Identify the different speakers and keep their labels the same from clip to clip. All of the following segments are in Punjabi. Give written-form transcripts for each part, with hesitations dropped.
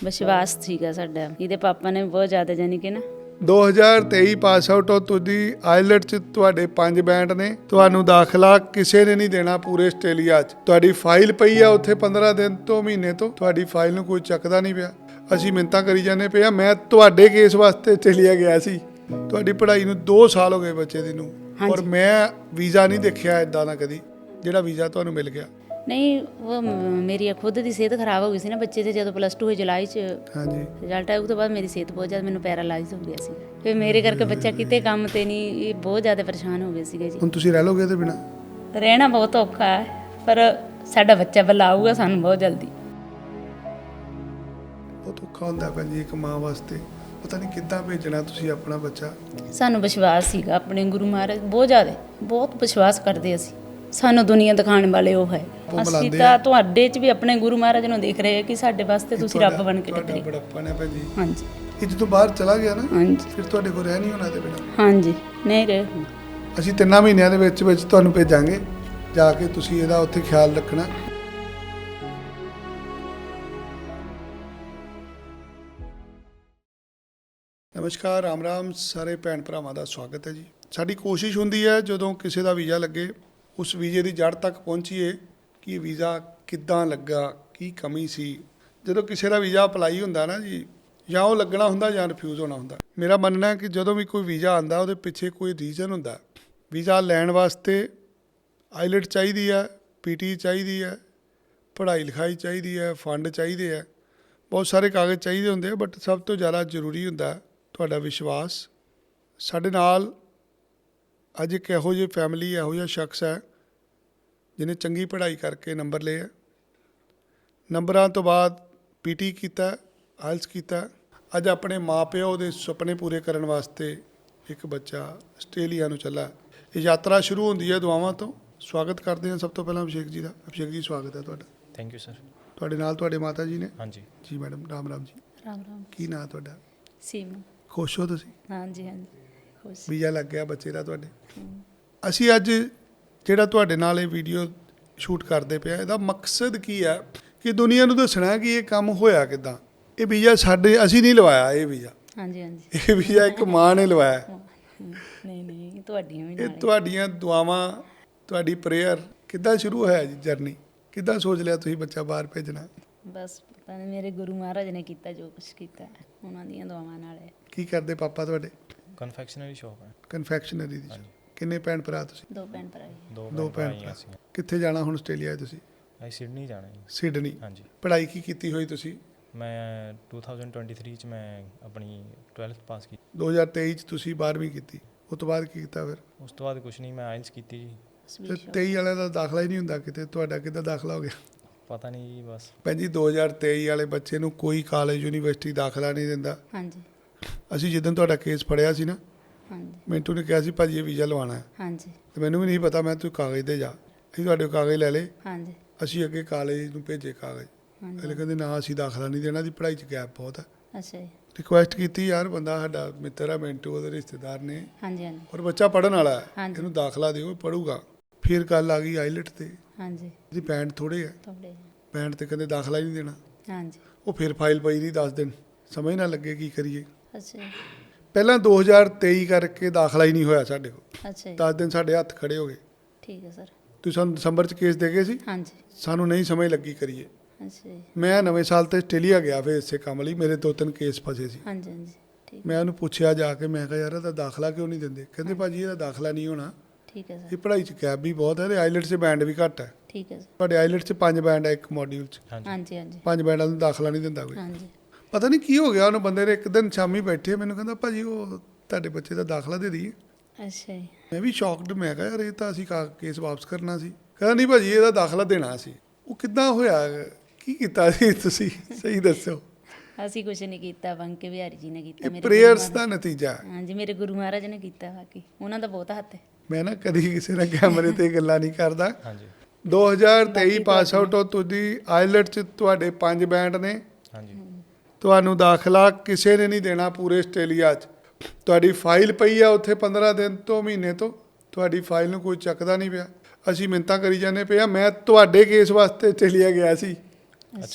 Speaker 1: ਵਿਸ਼ਵਾਸ ਸੀਗਾ ਸਾਡਾ। ਇਹਦੇ ਪਾਪਾ ਨੇ ਬਹੁਤ ਜ਼ਿਆਦਾ ਜਾਨੀ ਕਿ ਨਾ
Speaker 2: 2023 ਪਾਸ ਆਊਟ ਹੋ ਤੁਸੀਂ। ਆਈਲੈਟ ਚ ਤੁਹਾਡੇ 5 ਬੈਂਡ ਨੇ। ਤੁਹਾਨੂੰ ਦਾਖਲਾ ਕਿਸੇ ਨੇ ਨਹੀਂ ਦੇਣਾ ਪੂਰੇ ਆਸਟ੍ਰੇਲੀਆ 'ਚ। ਤੁਹਾਡੀ ਫਾਈਲ ਪਈ ਆ ਉੱਥੇ 15 ਦਿਨ ਤੋਂ ਮਹੀਨੇ ਤੋਂ, ਤੁਹਾਡੀ ਫਾਈਲ ਨੂੰ ਕੋਈ ਚੱਕਦਾ ਨਹੀਂ ਪਿਆ। ਅਸੀਂ ਮਿੰਨਤਾਂ ਕਰੀ ਜਾਂਦੇ ਪਏ ਆ। ਮੈਂ ਤੁਹਾਡੇ ਕੇਸ ਵਾਸਤੇ ਆਸਟ੍ਰੇਲੀਆ ਗਿਆ ਸੀ। ਤੁਹਾਡੀ ਪੜ੍ਹਾਈ ਨੂੰ 2 ਸਾਲ ਹੋ ਗਏ ਬੱਚੇ ਦੀ ਨੂੰ, ਔਰ ਮੈਂ ਵੀਜ਼ਾ ਨਹੀਂ ਦੇਖਿਆ ਇਦਾਂ ਦਾ ਕਦੀ ਜਿਹੜਾ ਵੀਜ਼ਾ ਤੁਹਾਨੂੰ ਮਿਲ ਗਿਆ।
Speaker 1: ਨਹੀਂ, ਉਹ ਮੇਰੀ ਖੁਦ ਦੀ ਸਿਹਤ ਖਰਾਬ ਹੋ ਗਈ ਸੀ ਨਾ ਬੱਚੇ ਦੇ। ਜਦੋਂ +2 ਹੋਈ ਜੁਲਾਈ 'ਚ
Speaker 2: ਹਾਂਜੀ
Speaker 1: ਰਿਜ਼ਲਟ ਆਇਆ, ਉਹ ਤੋਂ ਬਾਅਦ ਮੇਰੀ ਸਿਹਤ ਬਹੁਤ ਜ਼ਿਆਦਾ, ਮੈਨੂੰ ਪੈਰਾਲਾਈਜ਼ ਹੋ ਗਿਆ ਸੀ। ਫਿਰ ਮੇਰੇ ਕਰਕੇ ਬੱਚਾ ਕਿਤੇ ਕੰਮ ਤੇ ਨਹੀਂ, ਇਹ ਬਹੁਤ ਜ਼ਿਆਦਾ ਪਰੇਸ਼ਾਨ ਹੋ ਗਏ ਸੀਗੇ ਜੀ।
Speaker 2: ਹੁਣ ਤੁਸੀਂ ਰਹਿ ਲੋਗੇ ਇਹਦੇ ਬਿਨਾਂ?
Speaker 1: ਰਹਿਣਾ ਬਹੁਤ ਔਖਾ ਹੈ, ਪਰ ਸਾਡਾ ਬੱਚਾ ਵੱਲਾ ਆਊਗਾ ਸਾਨੂੰ ਬਹੁਤ ਜਲਦੀ।
Speaker 2: ਬਹੁਤ ਔਖਾ ਹੁੰਦਾ ਭੈਣ ਜੀ ਇੱਕ ਮਾਂ ਵਾਸਤੇ, ਪਤਾ ਨਹੀਂ ਕਿੱਦਾਂ ਭੇਜਣਾ ਤੁਸੀਂ ਆਪਣਾ ਬੱਚਾ।
Speaker 1: ਸਾਨੂੰ ਵਿਸ਼ਵਾਸ ਸੀਗਾ ਆਪਣੇ ਗੁਰੂ ਮਹਾਰਾਜ, ਬਹੁਤ ਜ਼ਿਆਦਾ, ਬਹੁਤ ਵਿਸ਼ਵਾਸ ਕਰਦੇ ਅਸੀਂ। ਸਾਨੂੰ ਦੁਨੀਆ ਦਿਖਾਉਣ ਵਾਲੇ ਉਹ ਹੈ। ਅਸੀਂ ਤਾਂ ਤੁਹਾਡੇ 'ਚ ਵੀ ਆਪਣੇ ਗੁਰੂ ਮਹਾਰਾਜ ਨੂੰ ਦੇਖ ਰਹੇ ਕਿ ਸਾਡੇ ਵਾਸਤੇ ਤੁਸੀਂ ਰੱਬ ਬਣ ਕੇ ਨਿਕਲੇ।
Speaker 2: ਬੜਾਪਨ ਹੈ ਭੈਣ ਜੀ।
Speaker 1: ਹਾਂਜੀ।
Speaker 2: ਇਹ ਜਦੋਂ ਬਾਹਰ ਚਲਾ ਗਿਆ ਨਾ,
Speaker 1: ਹਾਂਜੀ
Speaker 2: ਫਿਰ ਤੁਹਾਡੇ ਕੋਲ ਰਹਿ ਨਹੀਂ ਹੋਣਾ ਇਹਦੇ ਬਿਨਾਂ।
Speaker 1: ਹਾਂਜੀ, ਨਹੀਂ ਰਹੇ।
Speaker 2: ਅਸੀਂ 3 ਮਹੀਨਿਆਂ ਦੇ ਵਿੱਚ ਤੁਹਾਨੂੰ ਭੇਜਾਂਗੇ, ਜਾ ਕੇ ਤੁਸੀਂ ਇਹਦਾ ਉੱਥੇ ਖਿਆਲ ਰੱਖਣਾ। ਨਮਸਕਾਰ, ਰਾਮ ਰਾਮ ਸਾਰੇ ਭੈਣ ਭਰਾਵਾਂ ਦਾ ਸਵਾਗਤ ਹੈ ਜੀ। ਸਾਡੀ ਕੋਸ਼ਿਸ਼ ਹੁੰਦੀ ਹੈ ਜਦੋਂ ਕਿਸੇ ਦਾ ਵੀਜ਼ਾ ਲੱਗੇ, ਉਸ ਵੀਜ਼ੇ ਦੀ ਜੜ ਤੱਕ ਪਹੁੰਚੀਏ ਕਿ ਇਹ ਵੀਜ਼ਾ ਕਿੱਦਾਂ ਲੱਗਾ, ਕੀ ਕਮੀ ਸੀ। ਜਦੋਂ ਕਿਸੇ ਦਾ ਵੀਜ਼ਾ ਅਪਲਾਈ ਹੁੰਦਾ ਨਾ ਜੀ, ਜਾਂ ਉਹ ਲੱਗਣਾ ਹੁੰਦਾ ਜਾਂ ਰਿਫਿਊਜ਼ ਹੋਣਾ ਹੁੰਦਾ। ਮੇਰਾ ਮੰਨਣਾ ਹੈ ਕਿ ਜਦੋਂ ਵੀ ਕੋਈ ਵੀਜ਼ਾ ਆਉਂਦਾ ਉਹਦੇ ਪਿੱਛੇ ਕੋਈ ਰੀਜ਼ਨ ਹੁੰਦਾ। ਵੀਜ਼ਾ ਲੈਣ ਵਾਸਤੇ ਆਈਲੈਟ ਚਾਹੀਦੀ ਹੈ, ਪੀਟੀ ਚਾਹੀਦੀ ਹੈ, ਪੜ੍ਹਾਈ ਲਿਖਾਈ ਚਾਹੀਦੀ ਹੈ, ਫੰਡ ਚਾਹੀਦੇ ਹੈ, ਬਹੁਤ ਸਾਰੇ ਕਾਗਜ਼ ਚਾਹੀਦੇ ਹੁੰਦੇ ਆ। ਬਟ ਸਭ ਤੋਂ ਜ਼ਿਆਦਾ ਜ਼ਰੂਰੀ ਹੁੰਦਾ ਤੁਹਾਡਾ ਵਿਸ਼ਵਾਸ। ਸਾਡੇ ਨਾਲ ਅੱਜ ਇੱਕ ਇਹੋ ਜਿਹੀ ਫੈਮਿਲੀ, ਇਹੋ ਜਿਹਾ ਸ਼ਖਸ ਹੈ ਜਿਹਨੇ ਚੰਗੀ ਪੜ੍ਹਾਈ ਕਰਕੇ ਨੰਬਰ ਲਏ ਹੈ। ਨੰਬਰਾਂ ਤੋਂ ਬਾਅਦ ਪੀਟੀ ਕੀਤਾ, ਆਇਲਸ ਕੀਤਾ। ਅੱਜ ਆਪਣੇ ਮਾਂ-ਪਿਓ ਦੇ ਸੁਪਨੇ ਪੂਰੇ ਕਰਨ ਵਾਸਤੇ ਇੱਕ ਬੱਚਾ ਆਸਟ੍ਰੇਲੀਆ ਨੂੰ ਚੱਲਾ। ਇਹ ਯਾਤਰਾ ਸ਼ੁਰੂ ਹੁੰਦੀ ਹੈ ਦੁਆਵਾਂ ਤੋਂ। ਸਵਾਗਤ ਕਰਦੇ ਹਾਂ ਸਭ ਤੋਂ ਪਹਿਲਾਂ ਅਭਿਸ਼ੇਕ ਜੀ ਦਾ। ਅਭਿਸ਼ੇਕ ਜੀ, ਸਵਾਗਤ ਹੈ ਤੁਹਾਡਾ।
Speaker 3: Thank you sir.
Speaker 2: ਤੁਹਾਡੇ ਨਾਲ ਤੁਹਾਡੇ ਮਾਤਾ ਜੀ ਨੇ?
Speaker 3: ਹਾਂਜੀ
Speaker 2: ਜੀ ਮੈਡਮ, ਰਾਮ ਰਾਮ ਜੀ।
Speaker 1: ਰਾਮ ਰਾਮ।
Speaker 2: ਕੀ ਨਾਂ ਤੁਹਾਡਾ?
Speaker 1: ਸੀਮਾ।
Speaker 2: ਖੁਸ਼ ਹੋ ਤੁਸੀਂ?
Speaker 1: ਹਾਂਜੀ ਹਾਂਜੀ, ਖੁਸ਼।
Speaker 2: ਵੀਜ਼ਾ ਲੱਗ ਗਿਆ ਬੱਚੇ ਦਾ ਤੁਹਾਡੇ। ਅਸੀਂ ਅੱਜ ਜਿਹੜਾ ਤੁਹਾਡੇ ਨਾਲ ਇਹ ਵੀਡੀਓ ਸ਼ੂਟ ਕਰਦੇ ਪਿਆ, ਇਹਦਾ ਮਕਸਦ ਕੀ ਹੈ ਕਿ ਦੁਨੀਆ ਨੂੰ ਦੱਸਣਾ ਕਿ ਇਹ ਕੰਮ ਹੋਇਆ ਕਿੱਦਾਂ। ਇਹ ਵੀਜ਼ਾ ਅਸੀਂ ਨਹੀਂ ਲਵਾਇਆ। ਇਹ ਵੀਜ਼ਾ,
Speaker 1: ਹਾਂਜੀ ਹਾਂਜੀ,
Speaker 2: ਇਹ ਵੀਜ਼ਾ ਇੱਕ ਮਾਂ ਨੇ ਲਵਾਇਆ।
Speaker 1: ਨਹੀਂ ਨਹੀਂ, ਤੁਹਾਡੀਆਂ ਵੀ
Speaker 2: ਇਹ
Speaker 1: ਨਾਲ।
Speaker 2: ਤੁਹਾਡੀਆਂ ਦੁਆਵਾਂ, ਤੁਹਾਡੀ ਪ੍ਰੇਅਰ। ਕਿੱਦਾਂ ਸ਼ੁਰੂ ਹੋਇਆ ਜੀ ਜਰਨੀ? ਕਿੱਦਾਂ ਸੋਚ ਲਿਆ ਤੁਸੀਂ ਬੱਚਾ ਬਾਹਰ ਭੇਜਣਾ?
Speaker 1: ਬਸ ਪਤਾ ਨਹੀਂ, ਮੇਰੇ ਗੁਰੂ ਮਹਾਰਾਜ ਨੇ ਕੀਤਾ ਜੋ ਕੁਛ ਕੀਤਾ, ਉਹਨਾਂ ਦੀਆਂ ਦੁਆਵਾਂ ਨਾਲ ਹੈ।
Speaker 2: ਕੀ ਕਰਦੇ ਪਾਪਾ ਤੁਹਾਡੇ?
Speaker 3: ਕਨਫੈਕਸ਼ਨਰੀ ਸ਼ੌਪ ਹੈ।
Speaker 2: ਕਨਫੈਕਸ਼ਨਰੀ ਦੀ। ਕਿੰਨੇ ਭੈਣ ਭਰਾ ਤੁਸੀਂ?
Speaker 1: 2 ਭੈਣ ਭਰਾ ਜੀ।
Speaker 2: ਦੋ ਭੈਣ ਭਰਾ। ਕਿੱਥੇ ਜਾਣਾ ਹੁਣ ਆਸਟ੍ਰੇਲੀਆ ਤੁਸੀਂ?
Speaker 3: ਅਸੀਂ ਸਿਡਨੀ ਜਾਣਾ ਜੀ।
Speaker 2: ਸਿਡਨੀ।
Speaker 3: ਹਾਂਜੀ।
Speaker 2: ਪੜ੍ਹਾਈ ਕੀ ਕੀਤੀ ਹੋਈ ਤੁਸੀਂ?
Speaker 3: ਮੈਂ 2023 ਚ ਮੈਂ ਆਪਣੀ 12th ਪਾਸ ਕੀਤੀ।
Speaker 2: 2023 ਚ ਤੁਸੀਂ 12ਵੀਂ ਕੀਤੀ। ਉਸ ਤੋਂ ਬਾਅਦ ਕੀ ਕੀਤਾ ਫਿਰ?
Speaker 3: ਉਸ ਤੋਂ ਬਾਅਦ ਕੁਝ ਨਹੀਂ, ਮੈਂ ਆਇਲਸ ਕੀਤੀ ਜੀ।
Speaker 2: ਤੇ 23 ਵਾਲਿਆਂ ਦਾ ਦਾਖਲਾ ਹੀ ਨਹੀਂ ਹੁੰਦਾ ਕਿਤੇ, ਤੁਹਾਡਾ ਕਿੱਦਾਂ ਦਾਖਲਾ ਹੋ ਗਿਆ?
Speaker 3: ਪਤਾ ਨਹੀਂ ਜੀ, ਬਸ।
Speaker 2: ਭੈਣ ਜੀ 2023 ਵਾਲੇ ਬੱਚੇ ਨੂੰ ਕੋਈ ਕਾਲਜ ਯੂਨੀਵਰਸਿਟੀ ਦਾਖਲਾ ਨਹੀਂ ਦਿੰਦਾ।
Speaker 1: ਹਾਂਜੀ
Speaker 2: ਅਸੀਂ ਜਿੱਦਣ ਤੁਹਾਡਾ ਕੇਸ ਫੜਿਆ ਸੀ ਨਾ,
Speaker 1: ਹਾਂਜੀ
Speaker 2: ਮਿੰਟੂ ਨੇ ਕਿਹਾ ਸੀ ਭਾਜੀ ਇਹ ਵੀਜ਼ਾ ਲਵਾਉਣਾ ਹੈ।
Speaker 1: ਹਾਂਜੀ
Speaker 2: ਤੇ ਮੈਨੂੰ ਵੀ ਨਹੀਂ ਪਤਾ, ਮੈਂ ਤੂੰ ਕਾਗਜ਼ ਦੇ ਜਾ। ਅਸੀਂ ਤੁਹਾਡੇ ਕਾਗਜ਼ ਲੈ ਲਏ।
Speaker 1: ਹਾਂਜੀ
Speaker 2: ਅਸੀਂ ਅੱਗੇ ਕਾਲਜ ਨੂੰ ਭੇਜੇ ਕਾਗਜ਼।
Speaker 1: ਹਾਂਜੀ।
Speaker 2: ਅਗਲੇ ਕਹਿੰਦੇ ਨਾ ਅਸੀਂ ਦਾਖਲਾ ਨਹੀਂ ਦੇਣਾ, ਦੀ ਪੜ੍ਹਾਈ 'ਚ ਗੈਪ ਬਹੁਤ ਹੈ।
Speaker 1: ਅੱਛਾ ਜੀ।
Speaker 2: ਰਿਕੁਐਸਟ ਕੀਤੀ, ਯਾਰ ਬੰਦਾ ਸਾਡਾ ਮਿੱਤਰ ਹੈ ਮਿੰਟੂ, ਉਹਦੇ ਰਿਸ਼ਤੇਦਾਰ ਨੇ,
Speaker 1: ਹਾਂਜੀ ਹਾਂਜੀ
Speaker 2: ਔਰ ਬੱਚਾ ਪੜ੍ਹਨ ਵਾਲਾ ਹੈ,
Speaker 1: ਹਾਂਜੀ।
Speaker 2: ਇਹਨੂੰ ਦਾਖਲਾ ਦਿਓ, ਇਹ ਪੜ੍ਹੂਗਾ। ਫਿਰ ਗੱਲ ਆ ਗਈ ਆਈਲੈਟ ਤੇ।
Speaker 1: ਹਾਂਜੀ,
Speaker 2: ਇਹਦੀ ਪੈਂਟ ਥੋੜ੍ਹੇ ਹੈ,
Speaker 1: ਤੁਹਾਡੇ।
Speaker 2: ਪੈਂਟ ਤੇ ਕਹਿੰਦੇ ਦਾਖਲਾ ਹੀ ਨਹੀਂ ਦੇਣਾ।
Speaker 1: ਹਾਂਜੀ।
Speaker 2: ਉਹ ਫਿਰ ਫਾਈਲ ਪਈ ਰਹੀ 10 ਦਿਨ, ਸਮਝ ਨਾ ਲੱਗੇ ਕੀ ਕਰੀਏ।
Speaker 1: ਅੱਛਾ ਜੀ।
Speaker 2: ਪਹਿਲਾਂ 2023 ਕਰਕੇ ਦਾਖਲਾ ਹੀ ਨਹੀਂ ਹੋਇਆ ਸਾਡੇ ਕੋਲ।
Speaker 1: ਅੱਛਾ ਜੀ।
Speaker 2: 10 ਦਿਨ ਸਾਡੇ ਹੱਥ ਖੜੇ ਹੋ ਗਏ।
Speaker 1: ਠੀਕ ਹੈ ਸਰ।
Speaker 2: ਤੁਸੀਂ ਸਾਨੂੰ ਦਸੰਬਰ 'ਚ ਕੇਸ ਦੇ ਗਏ ਸੀ,
Speaker 1: ਹਾਂਜੀ।
Speaker 2: ਸਾਨੂੰ ਨਹੀਂ ਸਮਝ ਲੱਗੀ ਕਰੀਏ।
Speaker 1: ਅੱਛਾ ਜੀ।
Speaker 2: ਮੈਂ ਨਵੇਂ ਸਾਲ ਤੇ ਆਸਟ੍ਰੇਲੀਆ ਗਿਆ ਫਿਰ ਇਸੇ ਕੰਮ ਲਈ, ਮੇਰੇ 2-3 ਕੇਸ ਫਸੇ ਸੀ।
Speaker 1: ਹਾਂਜੀ ਹਾਂਜੀ, ਠੀਕ।
Speaker 2: ਮੈਂ ਉਹਨੂੰ ਪੁੱਛਿਆ ਜਾ ਕੇ, ਮੈਂ ਕਿਹਾ ਯਾਰ ਇਹਦਾ ਦਾਖਲਾ ਕਿਉਂ ਨਹੀਂ ਦਿੰਦੇ? ਕਹਿੰਦੇ ਭਾਜੀ ਇਹਦਾ ਦਾਖਲਾ ਨਹੀਂ ਹੋਣਾ,
Speaker 1: ਠੀਕ ਹੈ
Speaker 2: ਇਹ
Speaker 1: ਸਰ।
Speaker 2: ਪੜ੍ਹਾਈ 'ਚ ਗੈਪ ਵੀ ਬਹੁਤ ਹੈ ਤੇ ਆਈਲੈਟ 'ਚ ਬੈਂਡ ਵੀ ਘੱਟ ਹੈ।
Speaker 1: ਠੀਕ ਹੈ ਸਰ।
Speaker 2: ਤੁਹਾਡੇ ਆਈਲੈਟ 'ਚ 5 ਬੈਂਡ ਹੈ ਇੱਕ ਮੋਡਿਊਲ 'ਚ।
Speaker 1: ਹਾਂਜੀ ਹਾਂਜੀ
Speaker 2: 5 ਬੈਂਡਾਂ ਨੂੰ ਦਾਖਲਾ ਨਹੀਂ ਦਿੰਦਾ ਕੋਈ।
Speaker 1: ਹਾਂਜੀ।
Speaker 2: ਪਤਾ ਨਹੀਂ ਕੀ ਹੋ ਗਿਆ ਉਹਨੂੰ ਬੰਦੇ ਨੇ। ਇੱਕ ਦਿਨ ਸ਼ਾਮੀ ਬੈਠੇ, ਮੈਨੂੰ ਕਹਿੰਦਾ ਭਾਜੀ ਉਹ ਤੁਹਾਡੇ ਬੱਚੇ ਦਾ ਦਾਖਲਾ ਦੇ ਦਈਏ।
Speaker 1: ਅੱਛਾ ਜੀ।
Speaker 2: ਮੈਂ ਵੀ ਸ਼ੌਕਡ, ਮੈਂ ਕਿਹਾ ਯਾਰ ਇਹ ਤਾਂ ਅਸੀਂ ਕੇਸ ਵਾਪਸ ਕਰਨਾ ਸੀ। ਕਹਿੰਦਾ ਨਹੀਂ ਭਾਜੀ ਇਹਦਾ ਦਾਖਲਾ ਦੇਣਾ ਸੀ। ਉਹ ਕਿੱਦਾਂ ਹੋਇਆ? ਕੀ ਕੀਤਾ ਸੀ ਤੁਸੀਂ? ਸਹੀ ਦੱਸੋ।
Speaker 1: ਅਸੀਂ ਕੁਝ ਨਹੀਂ ਕੀਤਾ, ਬੰਕੇ ਬਿਹਾਰੀ ਜੀ ਨੇ ਕੀਤਾ।
Speaker 2: ਇਹ ਪ੍ਰੇਅਰਸ ਦਾ ਨਤੀਜਾ ਹੈ।
Speaker 1: ਹਾਂਜੀ, ਮੇਰੇ ਗੁਰੂ ਮਹਾਰਾਜ ਨੇ ਕੀਤਾ, ਬਾਕੀ ਉਹਨਾਂ ਦਾ ਬਹੁਤ ਹੱਥ ਹੈ।
Speaker 2: ਮੈਂ ਨਾ ਕਦੀ ਕਿਸੇ ਨਾਲ ਕੈਮਰੇ ਤੇ ਗੱਲਾਂ ਨਹੀਂ ਕਰਦਾ।
Speaker 3: ਹਾਂਜੀ
Speaker 2: 2023 ਪਾਸ ਆਊਟ ਹੋ ਤੁਸੀਂ। ਆਈਲੈਟ 'ਚ ਤੁਹਾਡੇ 5 ਬੈਂਡ ਨੇ।
Speaker 3: ਹਾਂਜੀ
Speaker 2: ਤੁਹਾਨੂੰ ਦਾਖਲਾ ਕਿਸੇ ਨੇ ਨਹੀਂ ਦੇਣਾ ਪੂਰੇ ਆਸਟ੍ਰੇਲੀਆ 'ਚ। ਤੁਹਾਡੀ ਫਾਈਲ ਪਈ ਆ ਉੱਥੇ 15 ਦਿਨ ਤੋਂ ਮਹੀਨੇ ਤੋਂ, ਤੁਹਾਡੀ ਫਾਈਲ ਨੂੰ ਕੋਈ ਚੱਕਦਾ ਨਹੀਂ ਪਿਆ। ਅਸੀਂ ਮਿੰਨਤਾਂ ਕਰੀ ਜਾਂਦੇ ਪਏ ਆ। ਮੈਂ ਤੁਹਾਡੇ ਕੇਸ ਵਾਸਤੇ ਆਸਟ੍ਰੇਲੀਆ ਗਿਆ ਸੀ।
Speaker 1: ਅੱਛਾ ਜੀ।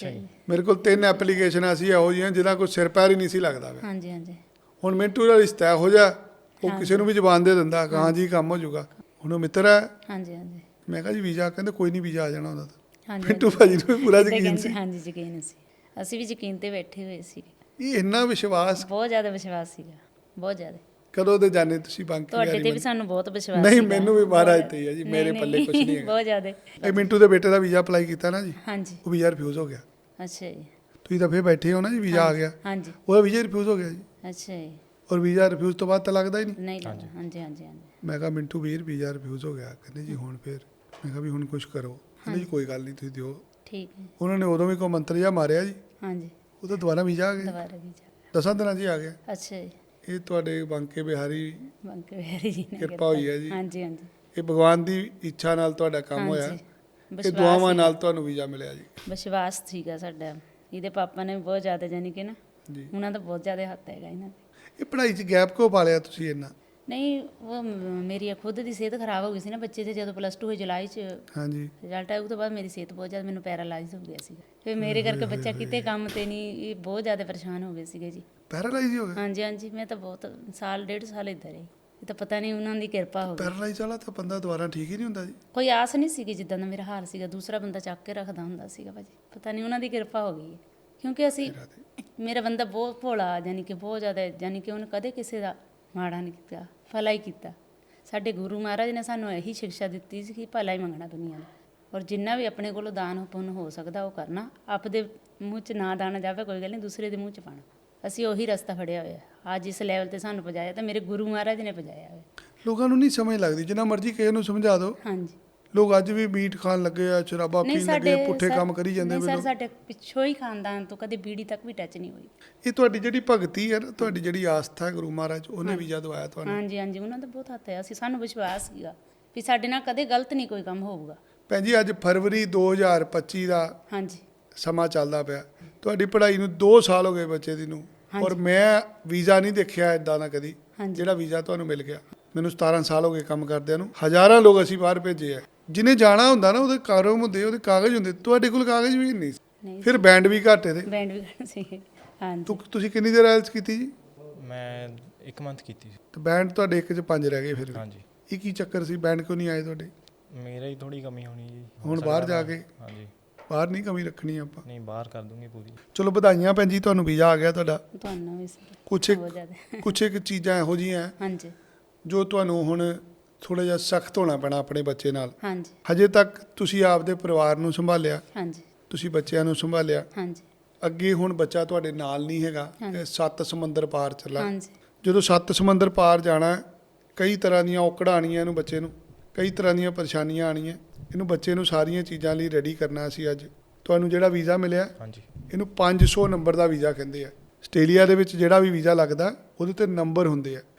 Speaker 2: ਮੇਰੇ ਕੋਲ 3 ਐਪਲੀਕੇਸ਼ਨਾਂ ਸੀ ਇਹੋ ਜਿਹੀਆਂ ਜਿਹਦਾ ਕੋਈ ਸਿਰ ਪੈਰ ਹੀ ਨਹੀਂ ਸੀ ਲੱਗਦਾ ਵਾ।
Speaker 1: ਹਾਂਜੀ ਹਾਂਜੀ
Speaker 2: ਹੁਣ ਮਿੰਟੂ ਦਾ ਰਿਸ਼ਤਾ ਇਹੋ ਜਿਹਾ, ਉਹ ਕਿਸੇ ਨੂੰ ਵੀ ਜ਼ਬਾਨ ਦੇ ਦਿੰਦਾ ਕਿ ਹਾਂ ਜੀ ਕੰਮ ਹੋ ਜਾਊਗਾ। ਹੁਣ ਉਹ ਮਿੱਤਰ ਹੈ,
Speaker 1: ਹਾਂਜੀ ਹਾਂਜੀ
Speaker 2: ਮੈਂ ਕਿਹਾ ਜੀ ਵੀਜ਼ਾ, ਕਹਿੰਦੇ ਕੋਈ ਨਹੀਂ ਵੀਜ਼ਾ ਆ ਜਾਣਾ ਉਹਦਾ ਤਾਂ।
Speaker 1: ਹਾਂਜੀ
Speaker 2: ਮਿੰਟੂ ਭਾਜੀ ਨੂੰ ਵੀ ਪੂਰਾ
Speaker 1: ਏਦਾਂ
Speaker 2: ਯਕੀਨ
Speaker 1: ਕਹਿੰਦੇ,
Speaker 2: ਸੀ।
Speaker 1: ਹਾਂਜੀ ਯਕੀਨ ਸੀ, ਅਸੀਂ ਵੀ ਯਕੀਨ ਤੇ ਬੈਠੇ ਹੋਏ ਸੀ।
Speaker 2: ਇਹ ਇੰਨਾ ਵਿਸ਼ਵਾਸ
Speaker 1: ਬਹੁਤ ਜ਼ਿਆਦਾ ਵਿਸ਼ਵਾਸ ਸੀਗਾ, ਬਹੁਤ ਜ਼ਿਆਦਾ।
Speaker 2: ਕਦੋਂ ਦੇ ਜਾਣੇ ਤੁਸੀਂ ਬਾਂਕੀ
Speaker 1: ਤੁਹਾਡੇ
Speaker 2: ਬਿਹਾਰੀ
Speaker 1: ਤੇ ਵੀ
Speaker 2: ਮੰਡੀ?
Speaker 1: ਸਾਨੂੰ ਬਹੁਤ ਵਿਸ਼ਵਾਸ
Speaker 2: ਨਹੀਂ,
Speaker 1: ਸੀਗਾ।
Speaker 2: ਮੈਨੂੰ ਵੀ ਮਹਾਰਾਜ
Speaker 1: ਬਹੁਤ-
Speaker 2: ਤੇ ਹੀ ਹੈ ਜੀ,
Speaker 1: ਨਹੀਂ,
Speaker 2: ਮੇਰੇ ਪੱਲੇ ਕੁਛ ਨਹੀਂ ਹੈਗਾ।
Speaker 1: ਬਹੁਤ ਜ਼ਿਆਦਾ।
Speaker 2: ਇਹ ਮਿੰਟੂ ਦੇ ਬੇਟੇ ਦਾ ਵੀਜ਼ਾ ਅਪਲਾਈ ਕੀਤਾ ਨਾ ਜੀ,
Speaker 1: ਹਾਂਜੀ
Speaker 2: ਉਹ ਵੀਜ਼ਾ ਰਿਫਿਊਜ਼ ਹੋ ਗਿਆ।
Speaker 1: ਅੱਛਾ ਜੀ।
Speaker 2: ਤੁਸੀਂ ਤਾਂ ਫੇਰ ਬੈਠੇ ਹੋ ਨਾ ਜੀ, ਵੀਜ਼ਾ ਆ ਗਿਆ,
Speaker 1: ਹਾਂਜੀ
Speaker 2: ਉਹਦਾ ਵੀਜ਼ਾ ਰਿਫਿਊਜ਼ ਹੋ ਗਿਆ ਜੀ।
Speaker 1: ਅੱਛਾ ਜੀ।
Speaker 2: ਔਰ ਵੀਜ਼ਾ ਰਿਫਿਊਜ਼ ਤੋਂ ਬਾਅਦ ਤਾਂ ਲੱਗਦਾ ਹੀ ਨਹੀਂ।
Speaker 1: ਨਹੀਂ ਲੱਗਦਾ। ਹਾਂਜੀ ਹਾਂਜੀ ਹਾਂਜੀ
Speaker 2: ਮੈਂ ਕਿਹਾ ਮਿੰਟੂ ਵੀਰ ਵੀਜ਼ਾ ਰਿਫਿਊਜ਼ ਹੋ ਗਿਆ। ਕਹਿੰਦੇ ਜੀ ਹੁਣ ਫੇਰ, ਮੈਂ ਕਿਹਾ ਵੀ ਹੁਣ ਕੁਝ ਕਰੋ। ਕਹਿੰਦੇ ਜੀ ਕੋਈ ਗੱਲ ਨਹੀਂ, ਤੁਸੀਂ ਦਿਓ।
Speaker 1: ਠੀਕ ਹੈ।
Speaker 2: ਉਹਨਾਂ ਨੇ ਉਦੋਂ ਵੀ ਕੋਈ ਮੰਤਰ ਜਿਹਾ ਮਾਰਿਆ ਜੀ,
Speaker 1: ਹਾਂਜੀ
Speaker 2: ਉਹ ਤਾਂ ਦੁਬਾਰਾ ਵੀਜ਼ਾ ਆ ਗਿਆ।
Speaker 1: ਦੁਬਾਰਾ ਵੀ ਜਾ।
Speaker 2: 10 ਦਿਨਾਂ 'ਚ ਹੀ ਆ ਗਿਆ।
Speaker 1: ਅੱਛਾ ਜੀ।
Speaker 2: ਇਹ ਤੁਹਾਡੇ ਬਾਂਕੇ ਬਿਹਾਰੀ
Speaker 1: ਬੰਕੇ ਬਿਹਾਰੀ ਜੀ ਨੇ
Speaker 2: ਕਿਰਪਾ ਹੋਈ ਹੈ ਜੀ।
Speaker 1: ਹਾਂਜੀ ਹਾਂਜੀ
Speaker 2: ਇਹ ਭਗਵਾਨ ਦੀ ਇੱਛਾ ਨਾਲ ਤੁਹਾਡਾ ਕੰਮ ਹੋਇਆ,
Speaker 1: ਹਾਂਜੀ।
Speaker 2: ਇਹ
Speaker 1: ਵਿਸ਼ਵਾਸ
Speaker 2: ਦੁਆਵਾਂ
Speaker 1: ਸੀਗਾ।
Speaker 2: ਨਾਲ ਤੁਹਾਨੂੰ ਵੀਜ਼ਾ ਮਿਲਿਆ ਜੀ।
Speaker 1: ਵਿਸ਼ਵਾਸ ਸੀਗਾ ਸਾਡਾ। ਇਹਦੇ ਪਾਪਾ ਨੇ ਵੀ ਬਹੁਤ ਜ਼ਿਆਦਾ, ਜਾਨੀ ਕਿ ਨਾ
Speaker 2: ਜੀ,
Speaker 1: ਉਹਨਾਂ ਦਾ ਬਹੁਤ ਜ਼ਿਆਦਾ ਹੱਥ ਹੈਗਾ ਇਹਨਾਂ ਦੇ।
Speaker 2: ਇਹ ਪੜ੍ਹਾਈ 'ਚ ਗੈਪ ਕਿਉਂ ਪਾ ਲਿਆ ਤੁਸੀਂ ਇੰਨਾ?
Speaker 1: ਨਹੀਂ, ਉਹ ਮੇਰੀ ਖੁਦ ਦੀ ਸਿਹਤ ਖਰਾਬ ਹੋ ਗਈ ਸੀ ਨਾ ਬੱਚੇ ਦੇ। ਜਦੋਂ +2 ਹੋਈ ਜੁਲਾਈ 'ਚ
Speaker 2: ਹਾਂਜੀ,
Speaker 1: ਰਿਜ਼ਲਟ ਆਇਆ, ਉਹ ਤੋਂ ਬਾਅਦ ਮੇਰੀ ਸਿਹਤ ਬਹੁਤ ਜ਼ਿਆਦਾ, ਮੈਨੂੰ ਪੈਰਾਲਾਈਜ਼ ਹੋ ਗਿਆ ਸੀਗਾ। ਫਿਰ ਮੇਰੇ ਕਰਕੇ ਬੱਚਾ ਕਿਤੇ ਕੰਮ ਤੇ ਨਹੀਂ, ਇਹ ਬਹੁਤ ਜ਼ਿਆਦਾ ਪਰੇਸ਼ਾਨ ਹੋ ਗਏ ਸੀਗੇ ਜੀ।
Speaker 2: ਪੈਰਾਲਾਈਜ਼ ਹੋ ਗਿਆ।
Speaker 1: ਹਾਂਜੀ ਹਾਂਜੀ, ਮੈਂ ਤਾਂ ਬਹੁਤ ਸਾਲ 1.5 ਸਾਲ ਇੱਧਰ ਰਹੀ। ਇਹ ਤਾਂ ਪਤਾ ਨਹੀਂ ਉਹਨਾਂ ਦੀ ਕਿਰਪਾ ਹੋ ਗਈ।
Speaker 2: ਪੈਰਾਲਾਈਜ਼ ਵਾਲਾ ਤਾਂ ਬੰਦਾ ਦੁਬਾਰਾ ਠੀਕ ਹੀ ਨਹੀਂ ਹੁੰਦਾ ਜੀ।
Speaker 1: ਕੋਈ ਆਸ ਨਹੀਂ ਸੀਗੀ, ਜਿੱਦਾਂ ਦਾ ਮੇਰਾ ਹਾਲ ਸੀਗਾ ਦੂਸਰਾ ਬੰਦਾ ਚੱਕ ਕੇ ਰੱਖਦਾ ਹੁੰਦਾ ਸੀਗਾ ਭਾਜੀ। ਪਤਾ ਨਹੀਂ ਉਹਨਾਂ ਦੀ ਕਿਰਪਾ ਹੋ ਗਈ ਹੈ। ਕਿਉਂਕਿ ਅਸੀਂ, ਮੇਰਾ ਬੰਦਾ ਬਹੁਤ ਭੋਲਾ, ਯਾਨੀ ਕਿ ਬਹੁਤ ਜ਼ਿਆਦਾ, ਯਾਨੀ ਕਿ ਉਹਨੇ ਕਦੇ ਕਿਸੇ ਦਾ ਮਾੜਾ ਨਹੀਂ ਕੀਤਾ, ਭਲਾ ਹੀ ਕੀਤਾ। ਸਾਡੇ ਗੁਰੂ ਮਹਾਰਾਜ ਨੇ ਸਾਨੂੰ ਇਹੀ ਸਿੱਖਿਆ ਦਿੱਤੀ ਸੀ ਕਿ ਭਲਾ ਹੀ ਮੰਗਣਾ ਦੁਨੀਆ ਦਾ, ਔਰ ਜਿੰਨਾ ਵੀ ਆਪਣੇ ਕੋਲੋਂ ਦਾਨ ਪੁੰਨ ਹੋ ਸਕਦਾ ਉਹ ਕਰਨਾ। ਆਪਦੇ ਮੂੰਹ 'ਚ ਨਾ ਦਾਣਾ ਜਾਵੇ ਕੋਈ ਗੱਲ ਨਹੀਂ, ਦੂਸਰੇ ਦੇ ਮੂੰਹ 'ਚ ਪਾਣਾ। ਅਸੀਂ ਉਹੀ ਰਸਤਾ ਫੜਿਆ ਹੋਇਆ। ਅੱਜ ਇਸ ਲੈਵਲ ਤੇ ਸਾਨੂੰ ਪਹੁੰਚਾਇਆ ਤਾਂ ਮੇਰੇ ਗੁਰੂ ਮਹਾਰਾਜ ਨੇ ਪਹੁੰਚਾਇਆ ਹੋਇਆ।
Speaker 2: ਲੋਕਾਂ ਨੂੰ ਨਹੀਂ ਸਮਝ ਲੱਗਦੀ, ਜਿੰਨਾ ਮਰਜ਼ੀ ਕਿਸੇ ਨੂੰ ਸਮਝਾ ਦਿਓ।
Speaker 1: ਹਾਂਜੀ।
Speaker 2: ਲੋਕ ਅੱਜ ਵੀ ਮੀਟ ਖਾਣ ਲੱਗੇ ਆ, ਸ਼ਰਾਬਾਂ
Speaker 1: ਨਹੀਂ
Speaker 2: ਪੀਣ ਲੱਗੇ ਆ, ਪੁੱਠੇ
Speaker 1: ਸਰ-
Speaker 2: ਕੰਮ ਕਰੀ ਜਾਂਦੇ
Speaker 1: ਨਹੀਂ
Speaker 2: ਵੇ
Speaker 1: ਸਰ,
Speaker 2: ਲੋਕ।
Speaker 1: ਸਾਡੇ ਪਿੱਛੋਂ ਹੀ ਖਾਨਦਾਨ ਤੋਂ ਕਦੇ ਬੀੜੀ ਤੱਕ ਵੀ ਟੱਚ ਨਹੀਂ ਹੋਈ।
Speaker 2: ਇਹ ਤੁਹਾਡੀ ਜਿਹੜੀ ਭਗਤੀ ਹੈ ਨਾ, ਤੁਹਾਡੀ ਜਿਹੜੀ ਆਸਥਾ ਹੈ ਗੁਰੂ ਮਹਾਰਾਜ 'ਚ, ਉਹਨੇ ਵੀਜ਼ਾ ਦਵਾਇਆ ਤੁਹਾਨੂੰ।
Speaker 1: ਹਾਂਜੀ ਹਾਂਜੀ, ਉਹਨਾਂ ਦਾ ਬਹੁਤ ਹੱਥ ਹੈ। ਅਸੀਂ, ਸਾਨੂੰ ਵਿਸ਼ਵਾਸ ਸੀਗਾ ਵੀ ਸਾਡੇ ਨਾਲ ਕਦੇ ਗਲਤ ਨਹੀਂ ਕੋਈ ਕੰਮ ਹੋਊਗਾ।
Speaker 2: ਭੈਣ ਜੀ, ਅੱਜ ਫਰਵਰੀ 2025 ਦਾ
Speaker 1: ਹਾਂਜੀ
Speaker 2: ਸਮਾਂ ਚੱਲਦਾ ਪਿਆ। ਤੁਹਾਡੀ ਪੜ੍ਹਾਈ ਨੂੰ 2 ਸਾਲ ਹੋ ਗਏ ਬੱਚੇ ਦੀ ਨੂੰ, ਔਰ ਮੈਂ ਵੀਜ਼ਾ ਨਹੀਂ ਦੇਖਿਆ ਇਦਾਂ ਦਾ ਕਦੀ,
Speaker 1: ਹਾਂਜੀ।
Speaker 2: ਜਿਹੜਾ ਵੀਜ਼ਾ ਤੁਹਾਨੂੰ ਮਿਲ ਗਿਆ। ਮੈਨੂੰ 17 ਸਾਲ ਹੋ ਗਏ ਕੰਮ ਕਰਦਿਆਂ ਨੂੰ। ਹਜ਼ਾਰਾਂ ਲੋਕ ਅਸੀਂ ਬਾਹਰ ਭੇਜੇ ਆ। ਜਿਹਨੇ ਜਾਣਾ ਹੁੰਦਾ ਨਾ, ਉਹਦੇ ਕਾਗਜ਼ ਹੁੰਦੇ, ਉਹਦੇ ਕਾਗਜ਼ ਹੁੰਦੇ। ਤੁਹਾਡੇ ਕੋਲ ਕਾਗਜ਼ ਵੀ ਨਹੀਂ ਸੀ।
Speaker 1: ਨਹੀਂ,
Speaker 2: ਫਿਰ ਬੈਂਡ ਵੀ ਘੱਟ ਇਹਦੇ।
Speaker 1: ਬੈਂਡ ਵੀ ਕਰਨਾ ਸੀ। ਹਾਂਜੀ
Speaker 2: ਤੁਸੀਂ ਕਿੰਨੀ ਦੇਰ ਆਇਲਸ ਕੀਤੀ ਜੀ?
Speaker 3: ਮੈਂ 1 ਮੰਥ ਕੀਤੀ ਸੀ।
Speaker 2: ਤੇ ਬੈਂਡ ਤੁਹਾਡੇ 1 'ਚ 5 ਰਹਿ ਗਏ ਫਿਰ ਵੀ।
Speaker 3: ਹਾਂਜੀ,
Speaker 2: ਇਹ ਕੀ ਚੱਕਰ ਸੀ, ਬੈਂਡ ਕਿਉਂ ਨਹੀਂ ਆਏ ਤੁਹਾਡੇ?
Speaker 3: ਮੇਰਾ ਹੀ ਥੋੜੀ ਕਮੀ ਹੋਣੀ ਜੀ। ਹੋ
Speaker 2: ਹੁਣ
Speaker 3: ਸਕਦਾ
Speaker 2: ਬਾਹਰ ਜਾ
Speaker 3: ਮੈਂ-
Speaker 2: ਕੇ?
Speaker 3: ਹਾਂਜੀ,
Speaker 2: ਬਾਹਰ ਨਹੀਂ ਕਮੀ ਰੱਖਣੀ ਆਪਾਂ।
Speaker 3: ਨਹੀਂ ਬਾਹਰ ਕਰ ਦੂੰਗੀ ਪੂਰੀ।
Speaker 2: ਚਲੋ ਵਧਾਈਆਂ ਭੈਣ ਜੀ, ਤੁਹਾਨੂੰ ਵੀਜ਼ਾ ਆ ਗਿਆ ਤੁਹਾਡਾ।
Speaker 1: ਤੁਹਾਨੂੰ ਵੀ ਸਰ
Speaker 2: ਕੁਛ
Speaker 1: ਬਹੁਤ ਜ਼ਿਆਦਾ।
Speaker 2: ਕੁਛ ਇੱਕ ਚੀਜ਼ਾਂ ਇਹੋ ਜਿਹੀਆਂ ਹੈ
Speaker 1: ਹਾਂਜੀ
Speaker 2: ਜੋ ਤੁਹਾਨੂੰ ਹੁਣ ਥੋੜਾ ਜਿਹਾ ਸਖਤ ਹੋਣਾ ਪੈਣਾ ਆਪਣੇ ਬੱਚੇ ਨਾਲ।
Speaker 1: ਹਾਂਜੀ
Speaker 2: ਹਜੇ ਤੱਕ ਤੁਸੀਂ ਆਪਦੇ ਪਰਿਵਾਰ ਨੂੰ ਸੰਭਾਲਿਆ,
Speaker 1: ਹਾਂਜੀ
Speaker 2: ਤੁਸੀਂ ਬੱਚਿਆਂ ਨੂੰ ਸੰਭਾਲਿਆ।
Speaker 1: ਹਾਂਜੀ
Speaker 2: ਅੱਗੇ ਹੁਣ ਬੱਚਾ ਤੁਹਾਡੇ ਨਾਲ ਨਹੀਂ ਹੈਗਾ,
Speaker 1: ਹਾਂਜੀ।
Speaker 2: ਇਹ 7 ਸਮੁੰਦਰ ਪਾਰ ਚੱਲਾ।
Speaker 1: ਹਾਂਜੀ
Speaker 2: ਜਦੋਂ 7 ਸਮੁੰਦਰ ਪਾਰ ਜਾਣਾ, ਕਈ ਤਰ੍ਹਾਂ ਦੀਆਂ ਔਕੜਾਂ ਆਣੀਆਂ ਇਹਨੂੰ ਬੱਚੇ ਨੂੰ, ਕਈ ਤਰ੍ਹਾਂ ਦੀਆਂ ਪਰੇਸ਼ਾਨੀਆਂ ਆਣੀਆਂ ਇਹਨੂੰ ਬੱਚੇ ਨੂੰ। ਸਾਰੀਆਂ ਚੀਜ਼ਾਂ ਲਈ ਰੈਡੀ ਕਰਨਾ ਸੀ। ਅੱਜ ਤੁਹਾਨੂੰ ਜਿਹੜਾ ਵੀਜ਼ਾ ਮਿਲਿਆ,
Speaker 3: ਹਾਂਜੀ,
Speaker 2: ਇਹਨੂੰ 500 ਨੰਬਰ ਦਾ ਵੀਜ਼ਾ ਕਹਿੰਦੇ ਆ। ਆਸਟ੍ਰੇਲੀਆ ਦੇ ਵਿੱਚ ਜਿਹੜਾ ਵੀ ਵੀਜ਼ਾ ਲੱਗਦਾ ਉਹਦੇ ਤੇ ਨੰਬਰ ਹੁੰਦੇ ਆ।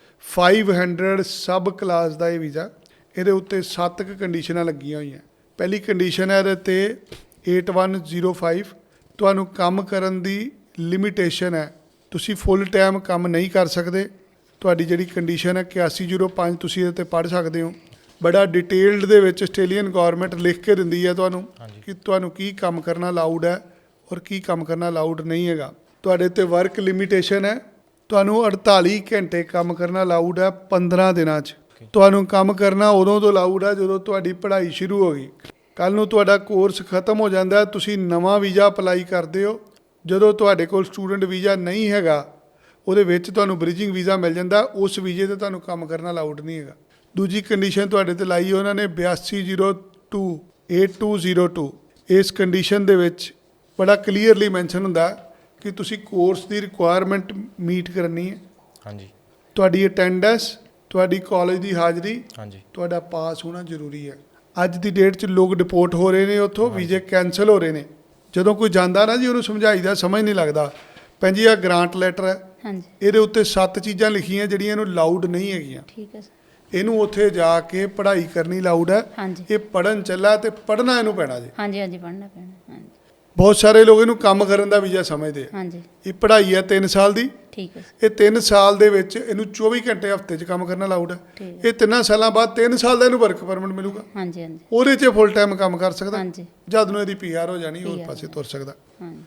Speaker 2: 500 ਸਬ ਕਲਾਸ ਦਾ ਇਹ ਵੀਜ਼ਾ। ਇਹਦੇ ਉੱਤੇ 7 ਕੰਡੀਸ਼ਨਾਂ ਲੱਗੀਆਂ ਹੋਈਆਂ। ਪਹਿਲੀ ਕੰਡੀਸ਼ਨ ਹੈ ਇਹਦੇ ਤੇ 8105, ਤੁਹਾਨੂੰ ਕੰਮ ਕਰਨ ਦੀ ਲਿਮਿਟੇਸ਼ਨ ਹੈ। ਤੁਸੀਂ ਫੁੱਲ ਟਾਈਮ ਕੰਮ ਨਹੀਂ ਕਰ ਸਕਦੇ। ਤੁਹਾਡੀ ਜਿਹੜੀ ਕੰਡੀਸ਼ਨ ਹੈ 8105, ਤੁਸੀਂ ਇਹਦੇ ਤੇ ਪੜ੍ਹ ਸਕਦੇ ਹੋ। ਬੜਾ ਡਿਟੇਲਡ ਦੇ ਵਿੱਚ ਆਸਟ੍ਰੇਲੀਅਨ ਗਵਰਨਮੈਂਟ ਲਿਖ ਕੇ ਦਿੰਦੀ ਹੈ ਤੁਹਾਨੂੰ
Speaker 3: ਹਾਂਜੀ।
Speaker 2: ਕਿ ਤੁਹਾਨੂੰ ਕੀ ਕੰਮ ਕਰਨਾ ਅਲਾਊਡ ਹੈ ਔਰ ਕੀ ਕੰਮ ਕਰਨਾ ਅਲਾਊਡ ਨਹੀਂ ਹੈਗਾ। ਤੁਹਾਡੇ ਤੇ ਵਰਕ ਲਿਮਿਟੇਸ਼ਨ ਹੈ, ਤੁਹਾਨੂੰ 48 ਘੰਟੇ ਕੰਮ ਕਰਨਾ ਅਲਾਊਡ ਹੈ 15 ਦਿਨਾਂ 'ਚ। ਤੁਹਾਨੂੰ ਕੰਮ ਕਰਨਾ ਉਦੋਂ ਤੋਂ ਅਲਾਊਡ ਹੈ ਜਦੋਂ ਤੁਹਾਡੀ ਪੜ੍ਹਾਈ ਸ਼ੁਰੂ ਹੋ ਗਈ। ਕੱਲ੍ਹ ਨੂੰ ਤੁਹਾਡਾ ਕੋਰਸ ਖਤਮ ਹੋ ਜਾਂਦਾ, ਤੁਸੀਂ ਨਵਾਂ ਵੀਜ਼ਾ ਅਪਲਾਈ ਕਰਦੇ ਹੋ। ਜਦੋਂ ਤੁਹਾਡੇ ਕੋਲ ਸਟੂਡੈਂਟ ਵੀਜ਼ਾ ਨਹੀਂ ਹੈਗਾ, ਉਹਦੇ ਵਿੱਚ ਤੁਹਾਨੂੰ ਬ੍ਰਿਜਿੰਗ ਵੀਜ਼ਾ ਮਿਲ ਜਾਂਦਾ। ਉਸ ਵੀਜ਼ੇ ਤੇ ਤੁਹਾਨੂੰ ਕੰਮ ਕਰਨਾ ਅਲਾਊਡ ਨਹੀਂ ਹੈਗਾ। ਦੂਜੀ ਕੰਡੀਸ਼ਨ ਤੁਹਾਡੇ ਤੇ ਲਾਈ ਉਹਨਾਂ ਨੇ 8202 8202। ਇਸ ਕੰਡੀਸ਼ਨ ਦੇ ਵਿੱਚ ਬੜਾ ਕਲੀਅਰਲੀ ਮੈਂਸ਼ਨ ਹੁੰਦਾ ਕਿ ਤੁਸੀਂ ਕੋਰਸ ਦੀ ਰਿਕੁਆਇਰਮੈਂਟ ਮੀਟ ਕਰਨੀ ਹੈ।
Speaker 3: ਹਾਂਜੀ,
Speaker 2: ਤੁਹਾਡੀ ਅਟੈਂਡੈਂਸ, ਤੁਹਾਡੀ ਕਾਲਜ ਦੀ ਹਾਜ਼ਰੀ,
Speaker 3: ਹਾਂਜੀ,
Speaker 2: ਤੁਹਾਡਾ ਪਾਸ ਹੋਣਾ ਜ਼ਰੂਰੀ ਹੈ। ਅੱਜ ਦੀ ਡੇਟ 'ਚ ਲੋਕ ਡਿਪੋਰਟ ਹੋ ਰਹੇ ਨੇ, ਉੱਥੋਂ ਵੀਜ਼ੇ ਕੈਂਸਲ ਹੋ ਰਹੇ ਨੇ। ਜਦੋਂ ਕੋਈ ਜਾਂਦਾ ਨਾ ਜੀ, ਉਹਨੂੰ ਸਮਝਾਈਦਾ, ਸਮਝ ਨਹੀਂ ਲੱਗਦਾ। ਭੈਣ ਜੀ, ਆਹ ਗ੍ਰਾਂਟ ਲੈਟਰ ਹੈ,
Speaker 1: ਹਾਂਜੀ
Speaker 2: ਇਹਦੇ ਉੱਤੇ 7 ਚੀਜ਼ਾਂ ਲਿਖੀਆਂ ਜਿਹੜੀਆਂ ਇਹਨੂੰ ਲਾਊਡ ਨਹੀਂ ਹੈਗੀਆਂ।
Speaker 1: ਠੀਕ ਹੈ ਸਰ।
Speaker 2: ਇਹਨੂੰ ਉੱਥੇ ਜਾ ਕੇ ਪੜ੍ਹਾਈ ਕਰਨੀ ਲਾਊਡ ਹੈ।
Speaker 1: ਹਾਂਜੀ
Speaker 2: ਇਹ ਪੜਨ ਚੱਲਾ ਤੇ ਪੜਨਾ ਇਹਨੂੰ ਪੈਣਾ ਜੀ।
Speaker 1: ਹਾਂਜੀ ਹਾਂਜੀ, ਪੜ੍ਹਨਾ ਪੈਣਾ। ਹਾਂਜੀ
Speaker 2: ਬਹੁਤ ਸਾਰੇ ਲੋਕ ਇਹਨੂੰ ਕੰਮ ਕਰਨ ਦਾ ਵੀਜ਼ਾ ਸਮਝਦੇ ਆ।
Speaker 1: ਹਾਂਜੀ
Speaker 2: ਇਹ ਪੜ੍ਹਾਈ ਹੈ 3 ਸਾਲ ਦੀ।
Speaker 1: ਠੀਕ ਹੈ ਸਰ।
Speaker 2: ਇਹ 3 ਸਾਲ ਦੇ ਵਿੱਚ ਇਹਨੂੰ 24 ਘੰਟੇ ਹਫ਼ਤੇ 'ਚ ਕੰਮ ਕਰਨਾ ਲਾਊਡ ਹੈ।
Speaker 1: ਠੀਕ
Speaker 2: ਇਹ 3 ਸਾਲਾਂ ਬਾਅਦ 3 ਸਾਲ ਦਾ ਇਹਨੂੰ ਵਰਕ ਪਰਮਿਟ ਮਿਲੂਗਾ।
Speaker 1: ਹਾਂਜੀ ਹਾਂਜੀ
Speaker 2: ਉਹਦੇ 'ਚ ਫੁੱਲ ਟਾਈਮ ਕੰਮ ਕਰ ਸਕਦਾ।
Speaker 1: ਹਾਂਜੀ
Speaker 2: ਜਦ ਨੂੰ ਇਹਦੀ ਪੀਆਰ ਹੋ ਜਾਣੀ, ਉਸ
Speaker 1: PR
Speaker 2: ਪਾਸੇ ਤੁਰ ਸਕਦਾ।
Speaker 1: ਹਾਂਜੀ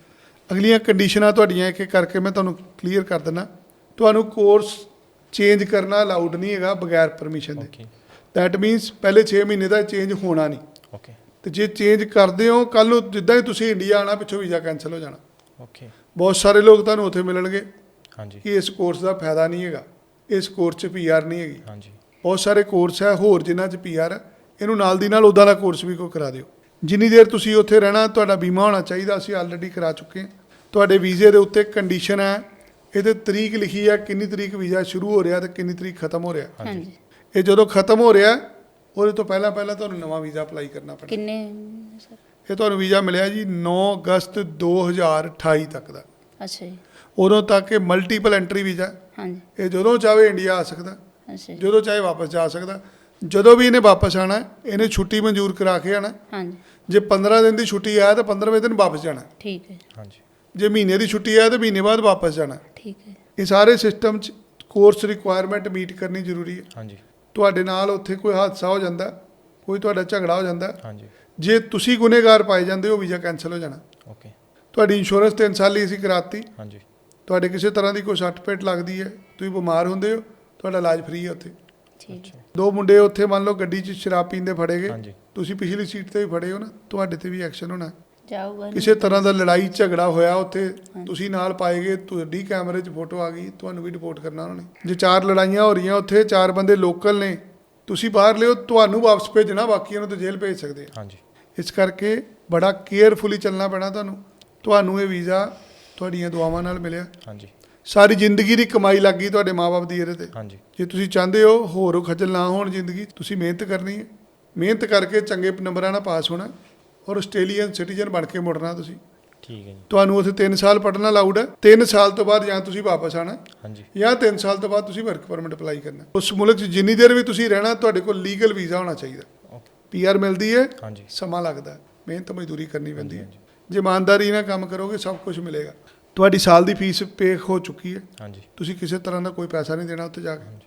Speaker 2: ਅਗਲੀਆਂ ਕੰਡੀਸ਼ਨਾਂ ਤੁਹਾਡੀਆਂ ਇੱਕ ਇੱਕ ਕਰਕੇ ਮੈਂ ਤੁਹਾਨੂੰ ਕਲੀਅਰ ਕਰ ਦਿੰਦਾ। ਤੁਹਾਨੂੰ ਕੋਰਸ ਚੇਂਜ ਕਰਨਾ ਅਲਾਉਡ ਨਹੀਂ ਹੈਗਾ ਬਗੈਰ ਪਰਮਿਸ਼ਨ ਦੇ।
Speaker 3: ਓਕੇ
Speaker 2: ਦੈਟ ਮੀਨਸ ਪਹਿਲੇ 6 ਮਹੀਨੇ ਦਾ ਚੇਂਜ ਹੋਣਾ ਨਹੀਂ,
Speaker 3: ਓਕੇ
Speaker 2: ਤੇ ਜੇ ਚੇਂਜ ਕਰਦੇ ਹੋ ਕੱਲ ਨੂੰ ਜਿੱਦਾਂ ਹੀ ਤੁਸੀਂ ਇੰਡੀਆ ਆਣਾ ਪਿੱਛੋਂ ਵੀਜ਼ਾ ਕੈਂਸਲ ਹੋ ਜਾਣਾ।
Speaker 3: ਓਕੇ
Speaker 2: ਬਹੁਤ ਸਾਰੇ ਲੋਕ ਤੁਹਾਨੂੰ ਉੱਥੇ ਮਿਲਣਗੇ
Speaker 3: ਹਾਂਜੀ
Speaker 2: ਕਿ ਇਸ ਕੋਰਸ ਦਾ ਫਾਇਦਾ ਨਹੀਂ ਹੈਗਾ, ਇਸ ਕੋਰਸ 'ਚ ਪੀਆਰ ਨਹੀਂ ਹੈਗੀ।
Speaker 3: ਹਾਂਜੀ
Speaker 2: ਬਹੁਤ ਸਾਰੇ ਕੋਰਸ ਹੈ ਹੋਰ ਜਿਨ੍ਹਾਂ 'ਚ ਪੀਆਰ ਹੈ, ਇਹਨੂੰ ਨਾਲ ਦੀ ਨਾਲ ਉੱਦਾਂ ਦਾ ਕੋਰਸ ਵੀ ਕੋਈ ਕਰਾ ਦਿਓ। ਜਿੰਨੀ ਦੇਰ ਤੁਸੀਂ ਉੱਥੇ ਰਹਿਣਾ ਤੁਹਾਡਾ ਬੀਮਾ ਹੋਣਾ ਚਾਹੀਦਾ, ਅਸੀਂ ਆਲਰੇਡੀ ਕਰਾ ਚੁੱਕੇ ਹਾਂ। ਤੁਹਾਡੇ ਵੀਜ਼ੇ ਦੇ ਉੱਤੇ ਕੰਡੀਸ਼ਨ ਹੈ, ਇਹਦੇ ਤਰੀਕ ਲਿਖੀ ਹੈ ਕਿੰਨੀ ਤਰੀਕ ਵੀਜ਼ਾ ਸ਼ੁਰੂ ਹੋ ਰਿਹਾ ਤੇ ਕਿੰਨੀ ਤਰੀਕ ਖਤਮ ਹੋ ਰਿਹਾ।
Speaker 1: ਹਾਂਜੀ।
Speaker 2: ਇਹ ਜਦੋਂ ਖਤਮ ਹੋ ਰਿਹਾ ਉਹਦੇ ਤੋਂ ਪਹਿਲਾਂ ਪਹਿਲਾਂ ਤੁਹਾਨੂੰ ਨਵਾਂ ਵੀਜ਼ਾ ਅਪਲਾਈ ਕਰਨਾ ਪੈਣਾ।
Speaker 1: ਕਿੰਨੇ ਸਰ?
Speaker 2: ਇਹ ਤੁਹਾਨੂੰ ਵੀਜ਼ਾ ਮਿਲਿਆ ਜੀ 9 ਅਗਸਤ 2028 ਤੱਕ ਦਾ।
Speaker 1: ਅੱਛਾ ਜੀ।
Speaker 2: ਉਦੋਂ ਤੱਕ ਇਹ ਮਲਟੀਪਲ ਐਂਟਰੀ ਵੀਜ਼ਾ,
Speaker 1: ਹਾਂਜੀ।
Speaker 2: ਇਹ ਜਦੋਂ ਚਾਹੇ ਇੰਡੀਆ ਆ ਸਕਦਾ,
Speaker 1: ਅੱਛਾ ਜੀ।
Speaker 2: ਜਦੋਂ ਚਾਹੇ ਵਾਪਸ ਜਾ ਸਕਦਾ। ਜਦੋਂ ਵੀ ਇਹਨੇ ਵਾਪਸ ਆਣਾ ਇਹਨੇ ਛੁੱਟੀ ਮਨਜ਼ੂਰ ਕਰਾ ਕੇ ਆਣਾ।
Speaker 1: ਹਾਂਜੀ।
Speaker 2: ਜੇ 15 ਦਿਨ ਦੀ ਛੁੱਟੀ ਆ ਤਾਂ 15ਵੇਂ ਦਿਨ ਵਾਪਸ ਜਾਣਾ।
Speaker 1: ਠੀਕ ਹੈ।
Speaker 3: ਹਾਂਜੀ
Speaker 2: ਜੇ ਮਹੀਨੇ ਦੀ ਛੁੱਟੀ ਆ ਤਾਂ ਮਹੀਨੇ ਬਾਅਦ ਵਾਪਸ ਜਾਣਾ।
Speaker 1: ਠੀਕ ਹੈ।
Speaker 2: ਇਹ ਸਾਰੇ ਸਿਸਟਮ 'ਚ ਕੋਰਸ ਰਿਕੁਆਇਰਮੈਂਟ ਮੀਟ ਕਰਨੀ ਜ਼ਰੂਰੀ ਹੈ।
Speaker 3: ਹਾਂਜੀ
Speaker 2: ਤੁਹਾਡੇ ਨਾਲ ਉੱਥੇ ਕੋਈ ਹਾਦਸਾ ਹੋ ਜਾਂਦਾ, ਕੋਈ ਤੁਹਾਡਾ ਝਗੜਾ ਹੋ ਜਾਂਦਾ,
Speaker 3: ਹਾਂਜੀ
Speaker 2: ਜੇ ਤੁਸੀਂ ਗੁਨੇਗਾਰ ਪਾਏ ਜਾਂਦੇ ਹੋ ਵੀਜ਼ਾ ਕੈਂਸਲ ਹੋ ਜਾਣਾ।
Speaker 3: ਓਕੇ
Speaker 2: ਤੁਹਾਡੀ ਇੰਸ਼ੋਰੈਂਸ 3 ਸਾਲ ਲਈ ਅਸੀਂ ਕਰਾਤੀ।
Speaker 3: ਹਾਂਜੀ
Speaker 2: ਤੁਹਾਡੇ ਕਿਸੇ ਤਰ੍ਹਾਂ ਦੀ ਕੋਈ ਸੱਟ ਪੇਟ ਲੱਗਦੀ ਹੈ, ਤੁਸੀਂ ਬਿਮਾਰ ਹੁੰਦੇ ਹੋ, ਤੁਹਾਡਾ ਇਲਾਜ ਫ੍ਰੀ ਹੈ ਉੱਥੇ।
Speaker 1: ਠੀਕ ਹੈ।
Speaker 2: 2 ਮੁੰਡੇ ਉੱਥੇ ਮੰਨ ਲਓ ਗੱਡੀ 'ਚ ਸ਼ਰਾਬ ਪੀਂਦੇ ਫੜੇ ਗਏ,
Speaker 3: ਹਾਂਜੀ
Speaker 2: ਤੁਸੀਂ ਪਿਛਲੀ ਸੀਟ ਤੇ ਵੀ ਫੜੇ ਹੋ ਨਾ, ਤੁਹਾਡੇ ਤੇ ਵੀ ਐਕਸ਼ਨ ਹੋਣਾ।
Speaker 1: ਜਾਊਗਾ ਨਹੀਂ।
Speaker 2: ਕਿਸੇ ਤਰ੍ਹਾਂ ਦਾ ਲੜਾਈ ਝਗੜਾ ਹੋਇਆ ਉੱਥੇ, ਤੁਸੀਂ ਨਾਲ ਪਾਏ ਗਏ, ਤੁਹਾਡੀ ਕੈਮਰੇ 'ਚ ਫੋਟੋ ਆ ਗਈ, ਤੁਹਾਨੂੰ ਵੀ ਰਿਪੋਰਟ ਕਰਨਾ ਉਹਨਾਂ ਨੇ। ਜੇ 4 ਲੜਾਈਆਂ ਹੋ ਰਹੀਆਂ ਉੱਥੇ, 4 ਬੰਦੇ ਲੋਕਲ ਨੇ, ਤੁਸੀਂ ਬਾਹਰ ਲਿਓ, ਤੁਹਾਨੂੰ ਵਾਪਸ ਭੇਜਣਾ, ਬਾਕੀਆਂ ਨੂੰ ਤਾਂ ਜੇਲ੍ਹ ਭੇਜ ਸਕਦੇ ਆ।
Speaker 3: ਹਾਂਜੀ
Speaker 2: ਇਸ ਕਰਕੇ ਬੜਾ ਕੇਅਰਫੁਲੀ ਚੱਲਣਾ ਪੈਣਾ ਤੁਹਾਨੂੰ। ਤੁਹਾਨੂੰ ਇਹ ਵੀਜ਼ਾ ਤੁਹਾਡੀਆਂ ਦੁਆਵਾਂ ਨਾਲ ਮਿਲਿਆ।
Speaker 3: ਹਾਂਜੀ
Speaker 2: ਸਾਰੀ ਜ਼ਿੰਦਗੀ ਦੀ ਕਮਾਈ ਲੱਗ ਗਈ ਤੁਹਾਡੇ ਮਾਪੇ ਦੀ ਇਹਦੇ ਤੇ।
Speaker 3: ਹਾਂਜੀ
Speaker 2: ਜੇ ਤੁਸੀਂ ਚਾਹੁੰਦੇ ਹੋ ਹੋਰ ਖੱਜਲ ਨਾ ਹੋਣ ਜ਼ਿੰਦਗੀ, ਤੁਸੀਂ ਮਿਹਨਤ ਕਰਨੀ ਹੈ, ਮਿਹਨਤ ਕਰਕੇ ਚੰਗੇ ਨੰਬਰਾਂ ਨਾਲ ਪਾਸ ਹੋਣਾ ਔਰ ਆਸਟ੍ਰੇਲੀਅਨ ਸਿਟੀਜ਼ਨ ਬਣ ਕੇ ਮੁੜਨਾ ਤੁਸੀਂ।
Speaker 3: ਠੀਕ ਹੈ ਜੀ
Speaker 2: ਤੁਹਾਨੂੰ ਉੱਥੇ 3 ਸਾਲ ਪੜ੍ਹਨਾ ਅਲਾਊਡ ਹੈ। 3 ਸਾਲ ਤੋਂ ਬਾਅਦ ਜਾਂ ਤੁਸੀਂ ਵਾਪਸ ਆਣਾ
Speaker 3: ਹਾਂਜੀ
Speaker 2: ਜਾਂ 3 ਸਾਲ ਤੋਂ ਬਾਅਦ ਤੁਸੀਂ ਵਰਕ ਪਰਮਿਟ ਅਪਲਾਈ ਕਰਨਾ। ਉਸ ਮੁਲਕ 'ਚ ਜਿੰਨੀ ਦੇਰ ਵੀ ਤੁਸੀਂ ਰਹਿਣਾ ਤੁਹਾਡੇ ਕੋਲ ਲੀਗਲ ਵੀਜ਼ਾ ਹੋਣਾ ਚਾਹੀਦਾ।
Speaker 3: ਓਕੇ
Speaker 2: ਪੀਆਰ ਮਿਲਦੀ ਹੈ,
Speaker 3: ਹਾਂਜੀ
Speaker 2: ਸਮਾਂ ਲੱਗਦਾ, ਮਿਹਨਤ ਮਜ਼ਦੂਰੀ ਕਰਨੀ ਪੈਂਦੀ ਹੈ।
Speaker 3: ਹਾਂਜੀ,
Speaker 2: ਜੇ ਇਮਾਨਦਾਰੀ ਨਾਲ ਕੰਮ ਕਰੋਗੇ ਸਭ ਕੁਝ ਮਿਲੇਗਾ। ਤੁਹਾਡੀ ਸਾਲ ਦੀ ਫੀਸ ਪੇ ਹੋ ਚੁੱਕੀ ਹੈ,
Speaker 3: ਹਾਂਜੀ
Speaker 2: ਤੁਸੀਂ ਕਿਸੇ ਤਰ੍ਹਾਂ ਦਾ ਕੋਈ ਪੈਸਾ ਨਹੀਂ ਦੇਣਾ ਉੱਥੇ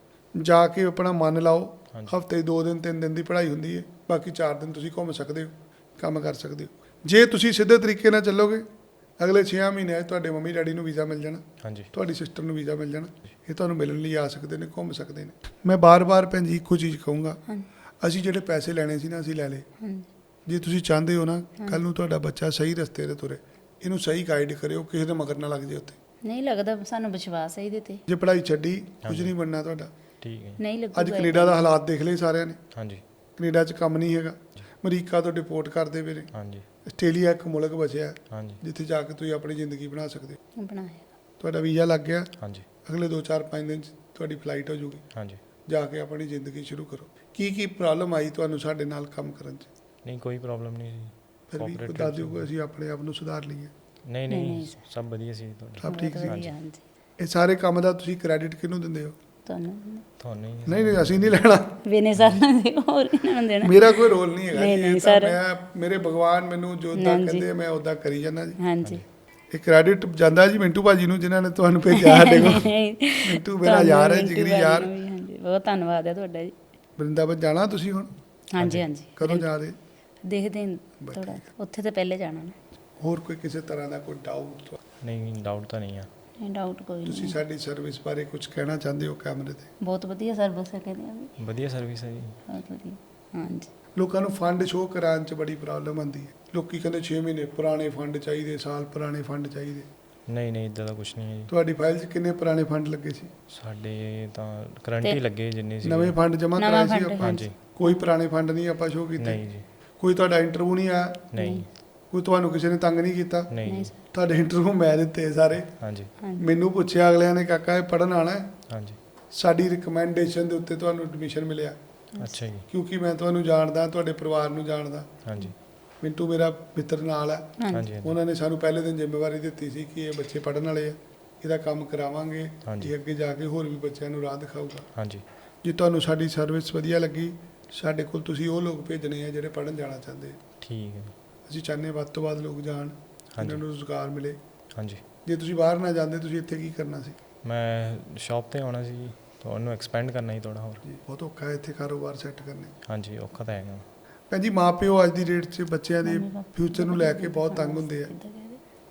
Speaker 2: ਜਾ ਕੇ ਆਪਣਾ ਮਨ ਲਾਓ।
Speaker 3: ਹਾਂਜੀ।
Speaker 2: ਹਫਤੇ 2 ਦਿਨ 3 ਦਿਨ ਦੀ ਪੜ੍ਹਾਈ ਹੁੰਦੀ ਹੈ, ਬਾਕੀ 4 ਦਿਨ ਤੁਸੀਂ ਘੁੰਮ ਸਕਦੇ ਹੋ, ਕੰਮ ਕਰ ਸਕਦੇ ਹੋ। ਜੇ ਤੁਸੀਂ ਸਿੱਧੇ ਤਰੀਕੇ ਨਾਲ ਚੱਲੋਗੇ ਅਗਲੇ 6 ਮਹੀਨਿਆਂ 'ਚ ਤੁਹਾਡੇ ਮੰਮੀ ਡੈਡੀ ਨੂੰ ਵੀਜ਼ਾ ਮਿਲ ਜਾਣਾ,
Speaker 3: ਹਾਂਜੀ
Speaker 2: ਤੁਹਾਡੀ ਸਿਸਟਰ ਨੂੰ ਵੀਜ਼ਾ ਮਿਲ ਜਾਣਾ। ਇਹ ਤੁਹਾਨੂੰ ਮਿਲਣ ਲਈ ਆ ਸਕਦੇ ਨੇ, ਘੁੰਮ ਸਕਦੇ ਨੇ। ਮੈਂ ਬਾਰ-ਬਾਰ ਭੈਣ ਜੀ ਇੱਕੋ ਚੀਜ਼ ਕਹੂੰਗਾ,
Speaker 1: ਹਾਂਜੀ।
Speaker 2: ਅਸੀਂ ਜਿਹੜੇ ਪੈਸੇ ਲੈਣੇ ਸੀ ਨਾ ਅਸੀਂ ਲੈ ਲਏ।
Speaker 1: ਹਾਂਜੀ।
Speaker 2: ਜੇ ਤੁਸੀਂ ਚਾਹੁੰਦੇ ਹੋ ਨਾ ਕੱਲ ਨੂੰ ਤੁਹਾਡਾ ਬੱਚਾ ਸਹੀ ਰਸਤੇ 'ਤੇ ਤੁਰੇ, ਇਹਨੂੰ ਸਹੀ ਗਾਈਡ ਕਰਿਓ, ਕਿਸੇ ਦੇ ਮਗਰ ਨਾ ਲੱਗ ਜੇ ਉੱਥੇ।
Speaker 1: ਨਹੀਂ ਲੱਗਦਾ, ਸਾਨੂੰ ਵਿਸ਼ਵਾਸ ਹੈ ਇਹਦੇ ਤੇ।
Speaker 2: ਜੇ ਪੜ੍ਹਾਈ ਛੱਡੀ ਕੁਝ
Speaker 3: ਹਾਂਜੀ।
Speaker 2: ਨਹੀਂ ਬਣਨਾ ਤੁਹਾਡਾ।
Speaker 3: ਠੀਕ ਹੈ ਜੀ
Speaker 1: ਨਹੀਂ ਲੱਗੂਗਾ।
Speaker 2: ਅੱਜ ਕੈਨੇਡਾ ਦਾ ਹਾਲਾਤ ਦੇਖ ਲਏ ਸਾਰਿਆਂ ਨੇ,
Speaker 3: ਹਾਂਜੀ
Speaker 2: ਕੈਨੇਡਾ 'ਚ ਕੰਮ ਨਹੀਂ ਹੈਗਾ, ਅਮਰੀਕਾ ਤੋਂ ਡਿਪੋਰਟ ਕਰਦੇ ਪਏ ਨੇ।
Speaker 3: ਹਾਂਜੀ
Speaker 2: ਆਸਟ੍ਰੇਲੀਆ ਇੱਕ ਮੁਲਕ ਬਚਿਆ
Speaker 3: ਹਾਂਜੀ
Speaker 2: ਜਿੱਥੇ ਜਾ ਕੇ ਤੁਸੀਂ ਆਪਣੀ ਜ਼ਿੰਦਗੀ ਬਣਾ ਸਕਦੇ ਹੋ।
Speaker 1: ਬਣਾਇਆ।
Speaker 2: ਤੁਹਾਡਾ ਵੀਜ਼ਾ ਲੱਗ ਗਿਆ,
Speaker 3: ਹਾਂਜੀ
Speaker 2: ਅਗਲੇ 2-4-5 ਦਿਨ 'ਚ ਤੁਹਾਡੀ ਫਲਾਈਟ ਹੋ ਜੂਗੀ।
Speaker 3: ਹਾਂਜੀ
Speaker 2: ਜਾ ਕੇ ਆਪਣੀ ਜ਼ਿੰਦਗੀ ਸ਼ੁਰੂ ਕਰੋ। ਕੀ ਪ੍ਰੋਬਲਮ ਆਈ ਤੁਹਾਨੂੰ ਸਾਡੇ ਨਾਲ ਕੰਮ ਕਰਨ 'ਚ?
Speaker 3: ਨਹੀਂ ਕੋਈ ਪ੍ਰੋਬਲਮ ਨਹੀਂ ਜੀ
Speaker 2: ਫਿਰ ਵੀ
Speaker 3: Cooperative
Speaker 2: ਦੱਸ ਦਿਓ ਕਿ ਅਸੀਂ ਆਪਣੇ ਆਪ ਨੂੰ ਸੁਧਾਰ ਲਈਏ।
Speaker 3: ਨਹੀਂ
Speaker 1: ਨਹੀਂ,
Speaker 3: ਨਹੀਂ
Speaker 1: ਨਹੀਂ।
Speaker 3: ਸਭ ਵਧੀਆ ਸੀ ਤੁਹਾਡਾ
Speaker 2: ਸਭ ਠੀਕ
Speaker 1: ਬਹੁਤ
Speaker 2: ਸੀ?
Speaker 1: ਵਧੀਆ, ਹਾਂਜੀ।
Speaker 2: ਇਹ ਸਾਰੇ ਕੰਮ ਦਾ ਤੁਸੀਂ ਕ੍ਰੈਡਿਟ ਕਿਹਨੂੰ ਦਿੰਦੇ ਹੋ?
Speaker 1: ਤੁਹਾਨੂੰ
Speaker 3: ਤੁਹਾਨੂੰ ਹੀ
Speaker 2: ਨਹੀਂ ਅਸੀਂ ਨਹੀਂ ਲੈਣਾ,
Speaker 1: ਵੇਨੇ ਸਾਲਾਂ ਦੇ ਹੋਰ ਕਿਹਨਾਂ ਨੂੰ ਦੇਣਾ।
Speaker 2: ਮੇਰਾ ਕੋਈ ਰੋਲ ਨਹੀਂ ਹੈਗਾ
Speaker 1: ਨਹੀਂ,
Speaker 2: ਜੀ।
Speaker 1: ਨਹੀਂ
Speaker 2: ਇਹ ਤਾਂ
Speaker 1: ਸਰ।
Speaker 2: ਮੇਰੇ ਭਗਵਾਨ ਮੈਨੂੰ ਜੋ ਉੱਦਾਂ
Speaker 1: ਹਾਂਜੀ।
Speaker 2: ਕਹਿੰਦੇ ਮੈਂ ਉੱਦਾਂ ਕਰੀ ਜਾਂਦਾ ਜੀ।
Speaker 1: ਹਾਂਜੀ।
Speaker 2: ਇਹ ਕ੍ਰੈਡਿਟ ਜਾਂਦਾ ਜੀ ਮਿੰਟੂ ਭਾਜੀ ਨੂੰ ਜਿਨ੍ਹਾਂ ਨੇ ਤੁਹਾਨੂੰ ਭੇਜਿਆ ਸਾਡੇ ਕੋਲ। ਮਿੰਟੂ ਮੇਰਾ ਯਾਰ ਹੈ,
Speaker 1: ਤੁਹਾਨੂੰ
Speaker 2: ਜਿਗਰੀ
Speaker 1: ਮਿੰਟੂ
Speaker 2: ਯਾਰ।
Speaker 1: ਭਾਜੀ ਨੂੰ ਵੀ, ਹਾਂਜੀ, ਬਹੁਤ ਧੰਨਵਾਦ ਹੈ ਤੁਹਾਡਾ ਜੀ।
Speaker 2: ਵਰਿੰਦਾਵਨ ਜਾਣਾ ਤੁਸੀਂ ਹੁਣ?
Speaker 1: ਹਾਂਜੀ ਹਾਂਜੀ।
Speaker 2: ਕਦੋਂ ਜਾ ਰਹੇ?
Speaker 1: ਦੇਖਦੇ ਹਾਂ ਥੋੜਾ, ਉੱਥੇ ਤਾਂ ਪਹਿਲੇ ਜਾਣਾ ਨਾ।
Speaker 2: ਹੋਰ ਕੋਈ ਕਿਸੇ ਤਰ੍ਹਾਂ ਦਾ ਕੋਈ ਡਾਊਟ?
Speaker 3: ਨਹੀਂ ਡਾਊਟ ਤਾਂ ਨਹੀਂ ਆ
Speaker 1: ਨਹੀਂ ਡਾਊਟ ਕੋਈ
Speaker 2: ਤੁਸੀਂ
Speaker 1: ਨਹੀਂ।
Speaker 2: ਸਾਡੀ ਸਰਵਿਸ ਬਾਰੇ ਕੁਝ ਕਹਿਣਾ ਚਾਹੁੰਦੇ ਹੋ ਕੈਮਰੇ ਤੇ?
Speaker 1: ਬਹੁਤ ਵਧੀਆ ਸਰਵਿਸ ਹੈ, ਕਹਿੰਦੇ ਆ ਵੀ
Speaker 3: ਵਧੀਆ ਸਰਵਿਸ ਹੈ ਜੀ
Speaker 1: ਬਹੁਤ ਵਧੀਆ। ਹਾਂਜੀ।
Speaker 2: ਲੋਕਾਂ ਨੂੰ ਫੰਡ ਸ਼ੋਅ ਕਰਾਉਣ 'ਚ ਬੜੀ ਪ੍ਰੋਬਲਮ ਆਉਂਦੀ ਹੈ। ਲੋਕੀ ਕਹਿੰਦੇ 6 ਮਹੀਨੇ ਪੁਰਾਣੇ ਫੰਡ ਚਾਹੀਦੇ, ਸਾਲ ਪੁਰਾਣੇ ਫੰਡ ਚਾਹੀਦੇ।
Speaker 3: ਨਹੀਂ ਇਦਾਂ ਦਾ ਕੁਝ ਨਹੀਂ ਹੈ ਜੀ
Speaker 2: ਤੁਹਾਡੀ ਫਾਈਲ 'ਚ ਕਿੰਨੇ ਪੁਰਾਣੇ ਫੰਡ ਲੱਗੇ ਸੀ?
Speaker 3: ਸਾਡੇ ਤਾਂ ਕਰੰਟ ਹੀ ਲੱਗੇ ਜਿੰਨੇ ਸੀ
Speaker 2: ਨਵੇਂ ਫੰਡ ਜਮ੍ਹਾਂ
Speaker 1: ਨਵਾਂ
Speaker 2: ਕਰਾਏ ਸੀ
Speaker 1: fund,
Speaker 2: ਆਪਾਂ?
Speaker 3: ਹਾਂਜੀ
Speaker 2: ਕੋਈ ਪੁਰਾਣੇ ਫੰਡ ਨਹੀਂ ਆਪਾਂ ਸ਼ੋਅ ਕੀਤੇ?
Speaker 3: ਨਹੀਂ ਜੀ
Speaker 2: ਕੋਈ ਤੁਹਾਡਾ ਇੰਟਰਵਿਊ ਨਹੀਂ ਆਇਆ?
Speaker 3: ਨਹੀਂ
Speaker 2: ਕੋਈ ਤੁਹਾਨੂੰ ਕਿਸੇ ਨੇ ਤੰਗ ਨਹੀਂ ਕੀਤਾ?
Speaker 3: ਨਹੀਂ
Speaker 1: ਨਹੀਂ
Speaker 3: ਜੀ
Speaker 1: ਸਰ।
Speaker 2: ਤੁਹਾਡੇ ਇੰਟਰਵਿਊ ਮੈਂ ਦਿੱਤੇ ਸਾਰੇ।
Speaker 3: ਹਾਂਜੀ
Speaker 1: ਹਾਂਜੀ।
Speaker 2: ਮੈਨੂੰ ਪੁੱਛਿਆ ਅਗਲਿਆਂ ਨੇ, ਕਾਕਾ ਇਹ ਪੜ੍ਹਨ ਆਉਣਾ ਹੈ?
Speaker 3: ਹਾਂਜੀ
Speaker 2: ਸਾਡੀ ਰਿਕਮੈਂਡੇਸ਼ਨ ਦੇ ਉੱਤੇ ਤੁਹਾਨੂੰ ਐਡਮਿਸ਼ਨ ਮਿਲਿਆ,
Speaker 3: ਅੱਛਾ ਜੀ
Speaker 2: ਕਿਉਂਕਿ ਮੈਂ ਤੁਹਾਨੂੰ ਜਾਣਦਾ, ਤੁਹਾਡੇ ਪਰਿਵਾਰ ਨੂੰ ਜਾਣਦਾ।
Speaker 3: ਹਾਂਜੀ
Speaker 2: ਮਿੰਟੂ ਮੇਰਾ ਮਿੱਤਰ ਨਾਲ ਹੈ।
Speaker 1: ਹਾਂਜੀ।
Speaker 3: ਹਾਂਜੀ
Speaker 2: ਉਹਨਾਂ ਨੇ ਸਾਨੂੰ ਪਹਿਲੇ ਦਿਨ ਜ਼ਿੰਮੇਵਾਰੀ ਦਿੱਤੀ ਸੀ ਕਿ ਇਹ ਬੱਚੇ ਪੜ੍ਹਨ ਵਾਲੇ ਆ, ਇਹਦਾ ਕੰਮ ਕਰਾਵਾਂਗੇ,
Speaker 3: ਹਾਂਜੀ।
Speaker 2: ਇਹ ਅੱਗੇ ਜਾ ਕੇ ਹੋਰ ਵੀ ਬੱਚਿਆਂ ਨੂੰ ਰਾਹ ਦਿਖਾਊਗਾ।
Speaker 3: ਹਾਂਜੀ
Speaker 2: ਜੇ ਤੁਹਾਨੂੰ ਸਾਡੀ ਸਰਵਿਸ ਵਧੀਆ ਲੱਗੀ, ਸਾਡੇ ਕੋਲ ਤੁਸੀਂ ਉਹ ਲੋਕ ਭੇਜਣੇ ਆ ਜਿਹੜੇ ਪੜ੍ਹਨ ਜਾਣਾ ਚਾਹੁੰਦੇ ਆ।
Speaker 3: ਠੀਕ ਹੈ
Speaker 2: ਅਸੀਂ ਚਾਹੁੰਦੇ ਵੱਧ ਤੋਂ ਵੱਧ ਲੋਕ ਜਾਣ,
Speaker 3: ਹਾਂਜੀ।
Speaker 2: ਇਹਨਾਂ ਨੂੰ ਰੁਜ਼ਗਾਰ ਮਿਲੇ।
Speaker 3: ਹਾਂਜੀ
Speaker 2: ਜੇ ਤੁਸੀਂ ਬਾਹਰ ਨਾ ਜਾਂਦੇ ਤੁਸੀਂ ਇੱਥੇ ਕੀ ਕਰਨਾ ਸੀ?
Speaker 3: ਮੈਂ ਸ਼ਾਪ ਤੇ ਆਉਣਾ ਸੀ, ਤੁਹਾਨੂੰ ਐਕਸਪੈਂਡ ਕਰਨਾ ਸੀ ਥੋੜਾ ਹੋਰ।
Speaker 2: ਜੀ ਬਹੁਤ ਔਖਾ ਹੈ ਇੱਥੇ ਕਾਰੋਬਾਰ ਸੈੱਟ ਕਰਨੇ।
Speaker 3: ਹਾਂਜੀ ਔਖਾ ਤਾਂ ਹੈਗਾ
Speaker 2: ਭੈਣ ਜੀ ਮਾਪਿਓ ਅੱਜ ਦੀ ਡੇਟ 'ਚ ਬੱਚਿਆਂ ਦੇ ਫਿਊਚਰ ਨੂੰ ਲੈ ਕੇ ਬਹੁਤ ਤੰਗ ਹੁੰਦੇ ਆ।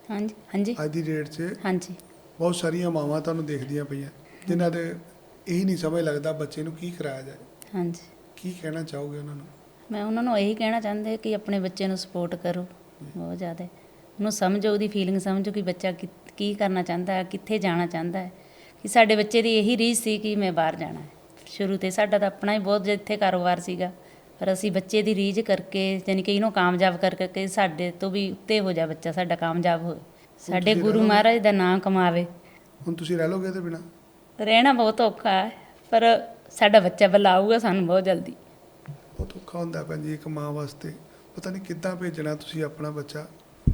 Speaker 1: ਹਾਂਜੀ ਹਾਂਜੀ
Speaker 2: ਅੱਜ ਦੀ ਡੇਟ 'ਚ
Speaker 1: ਹਾਂਜੀ
Speaker 2: ਬਹੁਤ ਸਾਰੀਆਂ ਮਾਵਾਂ ਤੁਹਾਨੂੰ ਦੇਖਦੀਆਂ ਪਈਆਂ ਜਿਨ੍ਹਾਂ ਦੇ ਇਹੀ ਨਹੀਂ ਸਮਝ ਲੱਗਦਾ ਬੱਚੇ ਨੂੰ ਕੀ ਕਰਾਇਆ ਜਾਏ।
Speaker 1: ਹਾਂਜੀ
Speaker 2: ਕੀ ਕਹਿਣਾ ਚਾਹੋਗੇ ਉਹਨਾਂ ਨੂੰ?
Speaker 1: ਮੈਂ ਉਹਨਾਂ ਨੂੰ ਇਹੀ ਕਹਿਣਾ ਚਾਹੁੰਦੇ ਕਿ ਆਪਣੇ ਬੱਚੇ ਨੂੰ ਸਪੋਰਟ ਕਰੋ ਬਹੁਤ ਜ਼ਿਆਦਾ, ਉਹਨੂੰ ਸਮਝੋ, ਉਹਦੀ ਫੀਲਿੰਗ ਸਮਝੋ ਕਿ ਬੱਚਾ ਕੀ ਕਰਨਾ ਚਾਹੁੰਦਾ ਹੈ, ਕਿੱਥੇ ਜਾਣਾ ਚਾਹੁੰਦਾ ਹੈ। ਕਿ ਸਾਡੇ ਬੱਚੇ ਦੀ ਇਹੀ ਰੀਝ ਸੀ ਕਿ ਮੈਂ ਬਾਹਰ ਜਾਣਾ ਹੈ। ਸ਼ੁਰੂ ਤੇ ਸਾਡਾ ਤਾਂ ਆਪਣਾ ਹੀ ਬਹੁਤ ਜਿੱਥੇ ਕਾਰੋਬਾਰ ਸੀਗਾ, ਪਰ ਅਸੀਂ ਬੱਚੇ ਦੀ ਰੀਝ ਕਰਕੇ ਯਾਨੀ ਕਿ ਇਹਨੂੰ ਕਾਮਯਾਬ ਕਰਕੇ ਸਾਡੇ ਤੋਂ ਵੀ ਉੱਤੇ ਹੋ ਜਾ ਬੱਚਾ, ਸਾਡਾ ਕਾਮਯਾਬ ਹੋਵੇ, ਸਾਡੇ
Speaker 2: ਤੁਸੀਂ
Speaker 1: ਗੁਰੂ
Speaker 2: ਰਹਿ
Speaker 1: ਮਹਾਰਾਜ ਦਾ ਨਾਮ ਕਮਾਵੇ।
Speaker 2: ਹੁਣ ਤੁਸੀਂ ਰਹਿ ਲੋਗੇ ਇਹਦੇ ਬਿਨਾਂ?
Speaker 1: ਰਹਿਣਾ ਬਹੁਤ ਔਖਾ ਹੈ, ਪਰ ਸਾਡਾ ਬੱਚਾ ਵੱਲ ਆਊਗਾ ਸਾਨੂੰ ਬਹੁਤ ਜਲਦੀ।
Speaker 2: ਬਹੁਤ ਔਖਾ ਹੁੰਦਾ ਭੈਣ ਜੀ ਇੱਕ ਮਾਂ ਵਾਸਤੇ, ਪਤਾ ਨਹੀਂ ਕਿੱਦਾਂ ਭੇਜਣਾ ਤੁਸੀਂ ਆਪਣਾ ਬੱਚਾ।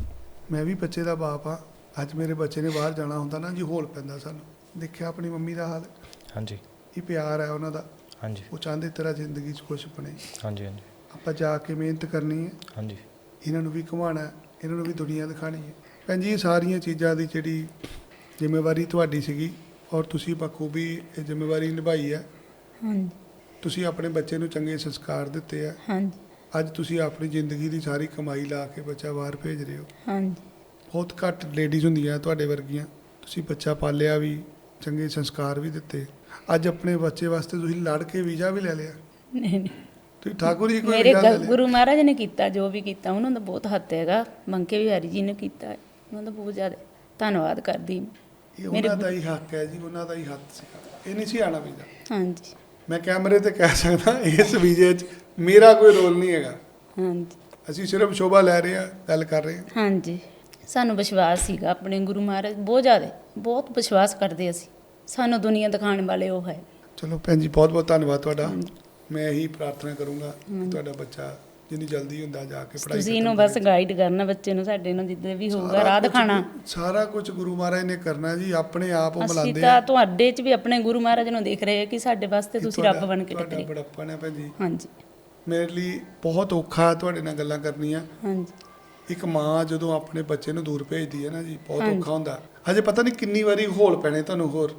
Speaker 2: ਮੈਂ ਵੀ ਬੱਚੇ ਦਾ ਬਾਪ ਆ, ਅੱਜ ਮੇਰੇ ਬੱਚੇ ਨੇ ਬਾਹਰ ਜਾਣਾ ਹੁੰਦਾ ਨਾ ਜੀ, ਹੌਲ ਪੈਂਦਾ ਸਾਨੂੰ। ਦੇਖਿਆ ਆਪਣੀ ਮੰਮੀ ਦਾ ਹਾਲ,
Speaker 3: ਹਾਂਜੀ
Speaker 2: ਇਹ ਪਿਆਰ ਹੈ ਉਹਨਾਂ ਦਾ,
Speaker 3: ਹਾਂਜੀ
Speaker 2: ਉਹ ਚਾਹੁੰਦੇ ਤੇਰਾ ਜ਼ਿੰਦਗੀ 'ਚ ਕੁਛ ਬਣੇ।
Speaker 3: ਹਾਂਜੀ ਹਾਂਜੀ
Speaker 2: ਆਪਾਂ ਜਾ ਕੇ ਮਿਹਨਤ ਕਰਨੀ ਹੈ,
Speaker 3: ਹਾਂਜੀ
Speaker 2: ਇਹਨਾਂ ਨੂੰ ਵੀ ਘੁਮਾਉਣਾ, ਇਹਨਾਂ ਨੂੰ ਵੀ ਦੁਨੀਆ ਦਿਖਾਣੀ ਹੈ। ਭੈਣ ਜੀ ਇਹ ਸਾਰੀਆਂ ਚੀਜ਼ਾਂ ਦੀ ਜਿਹੜੀ ਜ਼ਿੰਮੇਵਾਰੀ ਤੁਹਾਡੀ ਸੀਗੀ ਔਰ ਤੁਸੀਂ ਬਖੂਬੀ ਇਹ ਜ਼ਿੰਮੇਵਾਰੀ ਨਿਭਾਈ ਹੈ।
Speaker 1: ਹਾਂਜੀ
Speaker 2: ਤੁਸੀਂ ਆਪਣੇ ਬੱਚੇ ਨੂੰ ਚੰਗੇ ਸੰਸਕਾਰ ਦਿੱਤੇ ਆ।
Speaker 1: ਹਾਂਜੀ
Speaker 2: ਅੱਜ ਤੁਸੀਂ ਆਪਣੀ ਜ਼ਿੰਦਗੀ ਦੀ ਸਾਰੀ ਕਮਾਈ ਲਾ ਕੇ ਬੱਚਾ ਬਾਹਰ ਭੇਜ ਰਹੇ ਹੋ।
Speaker 1: ਹਾਂਜੀ
Speaker 2: ਬਹੁਤ ਘੱਟ ਲੇਡੀਜ਼ ਹੁੰਦੀਆਂ ਤੁਹਾਡੇ ਵਰਗੀਆਂ, ਤੁਸੀਂ ਬੱਚਾ ਪਾਲਿਆ ਵੀ, ਚੰਗੇ ਸੰਸਕਾਰ ਵੀ ਦਿੱਤੇ। ਅੱਜ ਆਪਣੇ ਬੱਚੇ ਵਾਸਤੇ ਤੁਸੀਂ ਲੜ ਕੇ ਵੀਜ਼ਾ ਵੀ ਲੈ ਲਿਆ।
Speaker 1: ਨਹੀਂ ਨਹੀਂ,
Speaker 2: ਤੁਸੀਂ ਠਾਕੁਰ ਜੀ ਕੋਈ
Speaker 1: ਮੇਰੇ
Speaker 2: ਵੀਜ਼ਾ ਲੈ ਲਿਆ?
Speaker 1: ਗੁਰੂ ਮਹਾਰਾਜ ਨੇ ਕੀਤਾ ਜੋ ਵੀ ਕੀਤਾ, ਉਹਨਾਂ ਦਾ ਬਹੁਤ ਹੱਥ ਹੈਗਾ। ਬੰਕੇ ਬਿਹਾਰੀ ਜੀ ਨੇ ਕੀਤਾ ਹੈ, ਉਹਨਾਂ ਦਾ ਬਹੁਤ ਜ਼ਿਆਦਾ ਧੰਨਵਾਦ ਕਰਦੀ ਮੈਂ।
Speaker 2: ਇਹ ਉਹਨਾਂ ਦਾ ਹੀ ਹੱਕ ਹੈ ਜੀ, ਉਹਨਾਂ ਦਾ ਹੀ ਹੱਥ ਸੀਗਾ, ਇਹ ਨਹੀਂ ਸੀ ਆਉਣਾ ਵੀਜ਼ਾ।
Speaker 1: ਹਾਂਜੀ
Speaker 2: ਮੈਂ ਕੈਮਰੇ ਤੇ ਕਹਿ ਸਕਦਾ ਇਸ ਵੀਜ਼ੇ 'ਚ ਮੇਰਾ ਕੋਈ ਰੋਲ ਨਹੀਂ ਹੈਗਾ।
Speaker 1: ਹਾਂਜੀ
Speaker 2: ਅਸੀਂ ਸਿਰਫ ਸ਼ੋਭਾ ਲੈ ਰਹੇ ਹਾਂ, ਗੱਲ ਕਰ ਰਹੇ ਹਾਂ।
Speaker 1: ਹਾਂਜੀ, ਸਾਨੂੰ ਵਿਸ਼ਵਾਸ ਸੀਗਾ ਆਪਣੇ ਗੁਰੂ ਮਹਾਰਾਜ, ਬਹੁਤ ਜ਼ਿਆਦਾ, ਬਹੁਤ ਵਿਸ਼ਵਾਸ ਕਰਦੇ ਅਸੀਂ। ਸਾਨੂੰ ਦੁਨੀਆ ਦਿਖਾਉਣ ਵਾਲੇ ਉਹ ਹੈ।
Speaker 2: ਚਲੋ ਭੈਣ ਜੀ ਬਹੁਤ ਬਹੁਤ ਧੰਨਵਾਦ ਤੁਹਾਡਾ।
Speaker 1: ਹਾਂਜੀ।
Speaker 2: ਮੈਂ ਇਹੀ ਪ੍ਰਾਰਥਨਾ ਕਰੂੰਗਾ ਕਿ ਤੁਹਾਡਾ ਬੱਚਾ ਜਿੰਨੀ ਜਲਦੀ ਹੁੰਦਾ ਜਾ ਕੇ ਪੜ੍ਹਾਈ
Speaker 1: ਤੁਸੀਂ ਇਹਨੂੰ ਬਸ ਗਾਈਡ ਕਰਨਾ ਬੱਚੇ ਨੂੰ, ਸਾਡੇ ਨੂੰ ਜਿੱਦਾਂ ਵੀ ਹੋਊਗਾ ਰਾਹ ਦਿਖਾਣਾ।
Speaker 2: ਸਾਰਾ ਕੁਝ ਗੁਰੂ ਮਹਾਰਾਜ ਨੇ ਕਰਨਾ ਜੀ, ਆਪਣੇ ਆਪ ਉਹ
Speaker 1: ਅਸੀਂ
Speaker 2: ਬੁਲਾਉਂਦੇ
Speaker 1: ਤਾਂ
Speaker 2: ਆ।
Speaker 1: ਤੁਹਾਡੇ 'ਚ ਵੀ ਆਪਣੇ ਗੁਰੂ ਮਹਾਰਾਜ ਨੂੰ ਦੇਖ ਰਹੇ ਕਿ ਸਾਡੇ ਵਾਸਤੇ ਤੁਸੀਂ ਰੱਬ ਬਣ ਕੇ
Speaker 2: ਤੁਹਾਡਾ
Speaker 1: ਟੱਕਰੇ।
Speaker 2: ਬੜਾਪਨ ਹੈ ਭੈਣ ਜੀ,
Speaker 1: ਹਾਂਜੀ
Speaker 2: ਮੇਰੇ ਲਈ ਬਹੁਤ ਔਖਾ ਤੁਹਾਡੇ ਨਾਲ ਗੱਲਾਂ ਕਰਨੀਆਂ।
Speaker 1: ਹਾਂਜੀ
Speaker 2: ਇੱਕ ਮਾਂ ਜਦੋਂ ਆਪਣੇ ਬੱਚੇ ਨੂੰ ਦੂਰ ਭੇਜਦੀ ਹੈ ਨਾ ਜੀ, ਬਹੁਤ
Speaker 1: ਹਾਂਜੀ।
Speaker 2: ਔਖਾ ਹੁੰਦਾ। ਹਜੇ ਪਤਾ ਨਹੀਂ ਕਿੰਨੀ ਵਾਰੀ ਹੋਲ ਪੈਣੇ ਤੁਹਾਨੂੰ ਹੋਰ।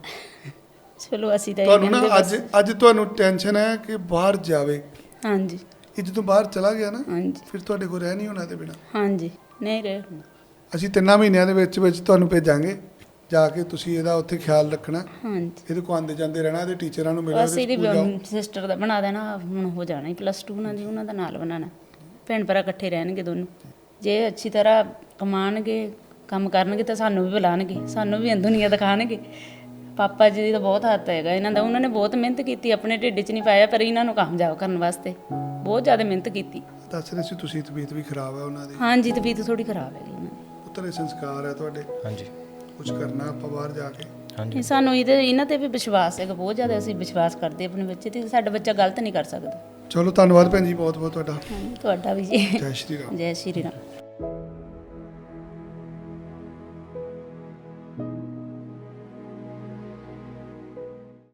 Speaker 1: ਚਲੋ ਅਸੀਂ ਤਾਂ ਇਹ
Speaker 2: ਤੁਹਾਨੂੰ ਨਾ
Speaker 1: ਕਹਿੰਦੇ ਬਸ।
Speaker 2: ਅੱਜ ਤੁਹਾਨੂੰ ਟੈਨਸ਼ਨ ਹੈ ਕਿ ਬਾਹਰ ਜਾਵੇ,
Speaker 1: ਹਾਂਜੀ
Speaker 2: ਇਹ ਜਦੋਂ ਬਾਹਰ ਚਲਾ ਗਿਆ ਨਾ
Speaker 1: ਹਾਂਜੀ
Speaker 2: ਫਿਰ ਤੁਹਾਡੇ ਕੋਲ ਰਹਿ ਨਹੀਂ ਹੋਣਾ ਇਹਦੇ ਬਿਨਾਂ।
Speaker 1: ਹਾਂਜੀ, ਨਹੀਂ ਰਹੇ।
Speaker 2: ਅਸੀਂ 3 ਮਹੀਨਿਆਂ ਦੇ ਵਿੱਚ ਵਿੱਚ ਤੁਹਾਨੂੰ ਭੇਜਾਂਗੇ, ਜਾ ਕੇ ਤੁਸੀਂ ਇਹਦਾ ਉੱਥੇ ਖਿਆਲ ਰੱਖਣਾ।
Speaker 1: ਹਾਂਜੀ,
Speaker 2: ਇਹਦੇ ਕੋਲ ਆਉਂਦੇ ਜਾਂਦੇ ਰਹਿਣਾ, ਇਹਦੇ ਟੀਚਰਾਂ ਨੂੰ ਮਿਲਣਾ,
Speaker 1: ਬਸ
Speaker 2: ਇਹਦੇ
Speaker 1: ਇਹਦੀ
Speaker 2: ਸਕੂਲ ਜਾਓ।
Speaker 1: ਸਿਸਟਰ ਦਾ ਬਣਾ ਦੇਣਾ, ਹੁਣ ਹੋ ਜਾਣਾ ਹੀ +2 ਉਹਨਾਂ ਦੀ, ਉਹਨਾਂ ਦਾ ਨਾਲ ਬਣਾਉਣਾ। ਭੈਣ ਭਰਾ ਇਕੱਠੇ ਰਹਿਣਗੇ ਦੋਨੋਂ, ਜੇ ਅੱਛੀ ਤਰ੍ਹਾਂ ਕਮਾਣਗੇ, ਕੰਮ ਕਰਨਗੇ ਤਾਂ ਸਾਨੂੰ ਵੀ ਬੁਲਾਣਗੇ, ਸਾਨੂੰ ਵੀ ਦੁਨੀਆ ਦਿਖਾਣਗੇ। ਪਾਪਾ ਜੀ ਦੀ ਤਾਂ ਬਹੁਤ ਹੱਥ ਹੈਗਾ ਇਹਨਾਂ ਦਾ, ਉਹਨਾਂ ਨੇ ਬਹੁਤ ਮਿਹਨਤ ਕੀਤੀ, ਆਪਣੇ ਢਿੱਡ 'ਚ ਨਹੀਂ ਪਾਇਆ, ਪਰ ਇਹਨਾਂ ਨੂੰ ਕਾਮਯਾਬ ਕਰਨ ਵਾਸਤੇ ਬਹੁਤ ਜ਼ਿਆਦਾ ਮਿਹਨਤ ਕੀਤੀ।
Speaker 2: ਦੱਸ ਰਹੇ ਸੀ ਤੁਸੀਂ ਤਬੀਅਤ ਵੀ ਖਰਾਬ ਹੈ ਉਹਨਾਂ ਦੀ।
Speaker 1: ਹਾਂਜੀ, ਤਬੀਅਤ ਥੋੜੀ ਖਰਾਬ ਹੈਗੀ ਉਹਨਾਂ ਦੀ।
Speaker 2: ਪੁੱਤਰ ਇਹ ਸੰਸਕਾਰ ਹੈ ਤੁਹਾਡੇ,
Speaker 3: ਹਾਂਜੀ
Speaker 2: ਕੁਝ ਕਰਨਾ ਆਪਾਂ ਬਾਹਰ ਜਾ ਕੇ।
Speaker 3: ਹਾਂਜੀ
Speaker 1: ਸਾਨੂੰ ਇਹਨਾਂ ਤੇ ਵੀ ਵਿਸ਼ਵਾਸ ਹੈਗਾ ਬਹੁਤ ਜ਼ਿਆਦਾ, ਅਸੀਂ ਵਿਸ਼ਵਾਸ ਕਰਦੇ ਆਪਣੇ ਬੱਚੇ ਤੇ, ਸਾਡਾ ਬੱਚਾ ਗਲਤ ਨਹੀਂ ਕਰ ਸਕਦਾ।
Speaker 2: ਚਲੋ ਧੰਨਵਾਦ ਭੈਣ ਜੀ ਬਹੁਤ ਬਹੁਤ ਤੁਹਾਡਾ।
Speaker 1: ਤੁਹਾਡਾ ਵੀ ਜੀ।
Speaker 2: ਜੈ ਸ਼੍ਰੀ ਰਾਮ।
Speaker 1: ਜੈ ਸ਼੍ਰੀ ਰਾਮ।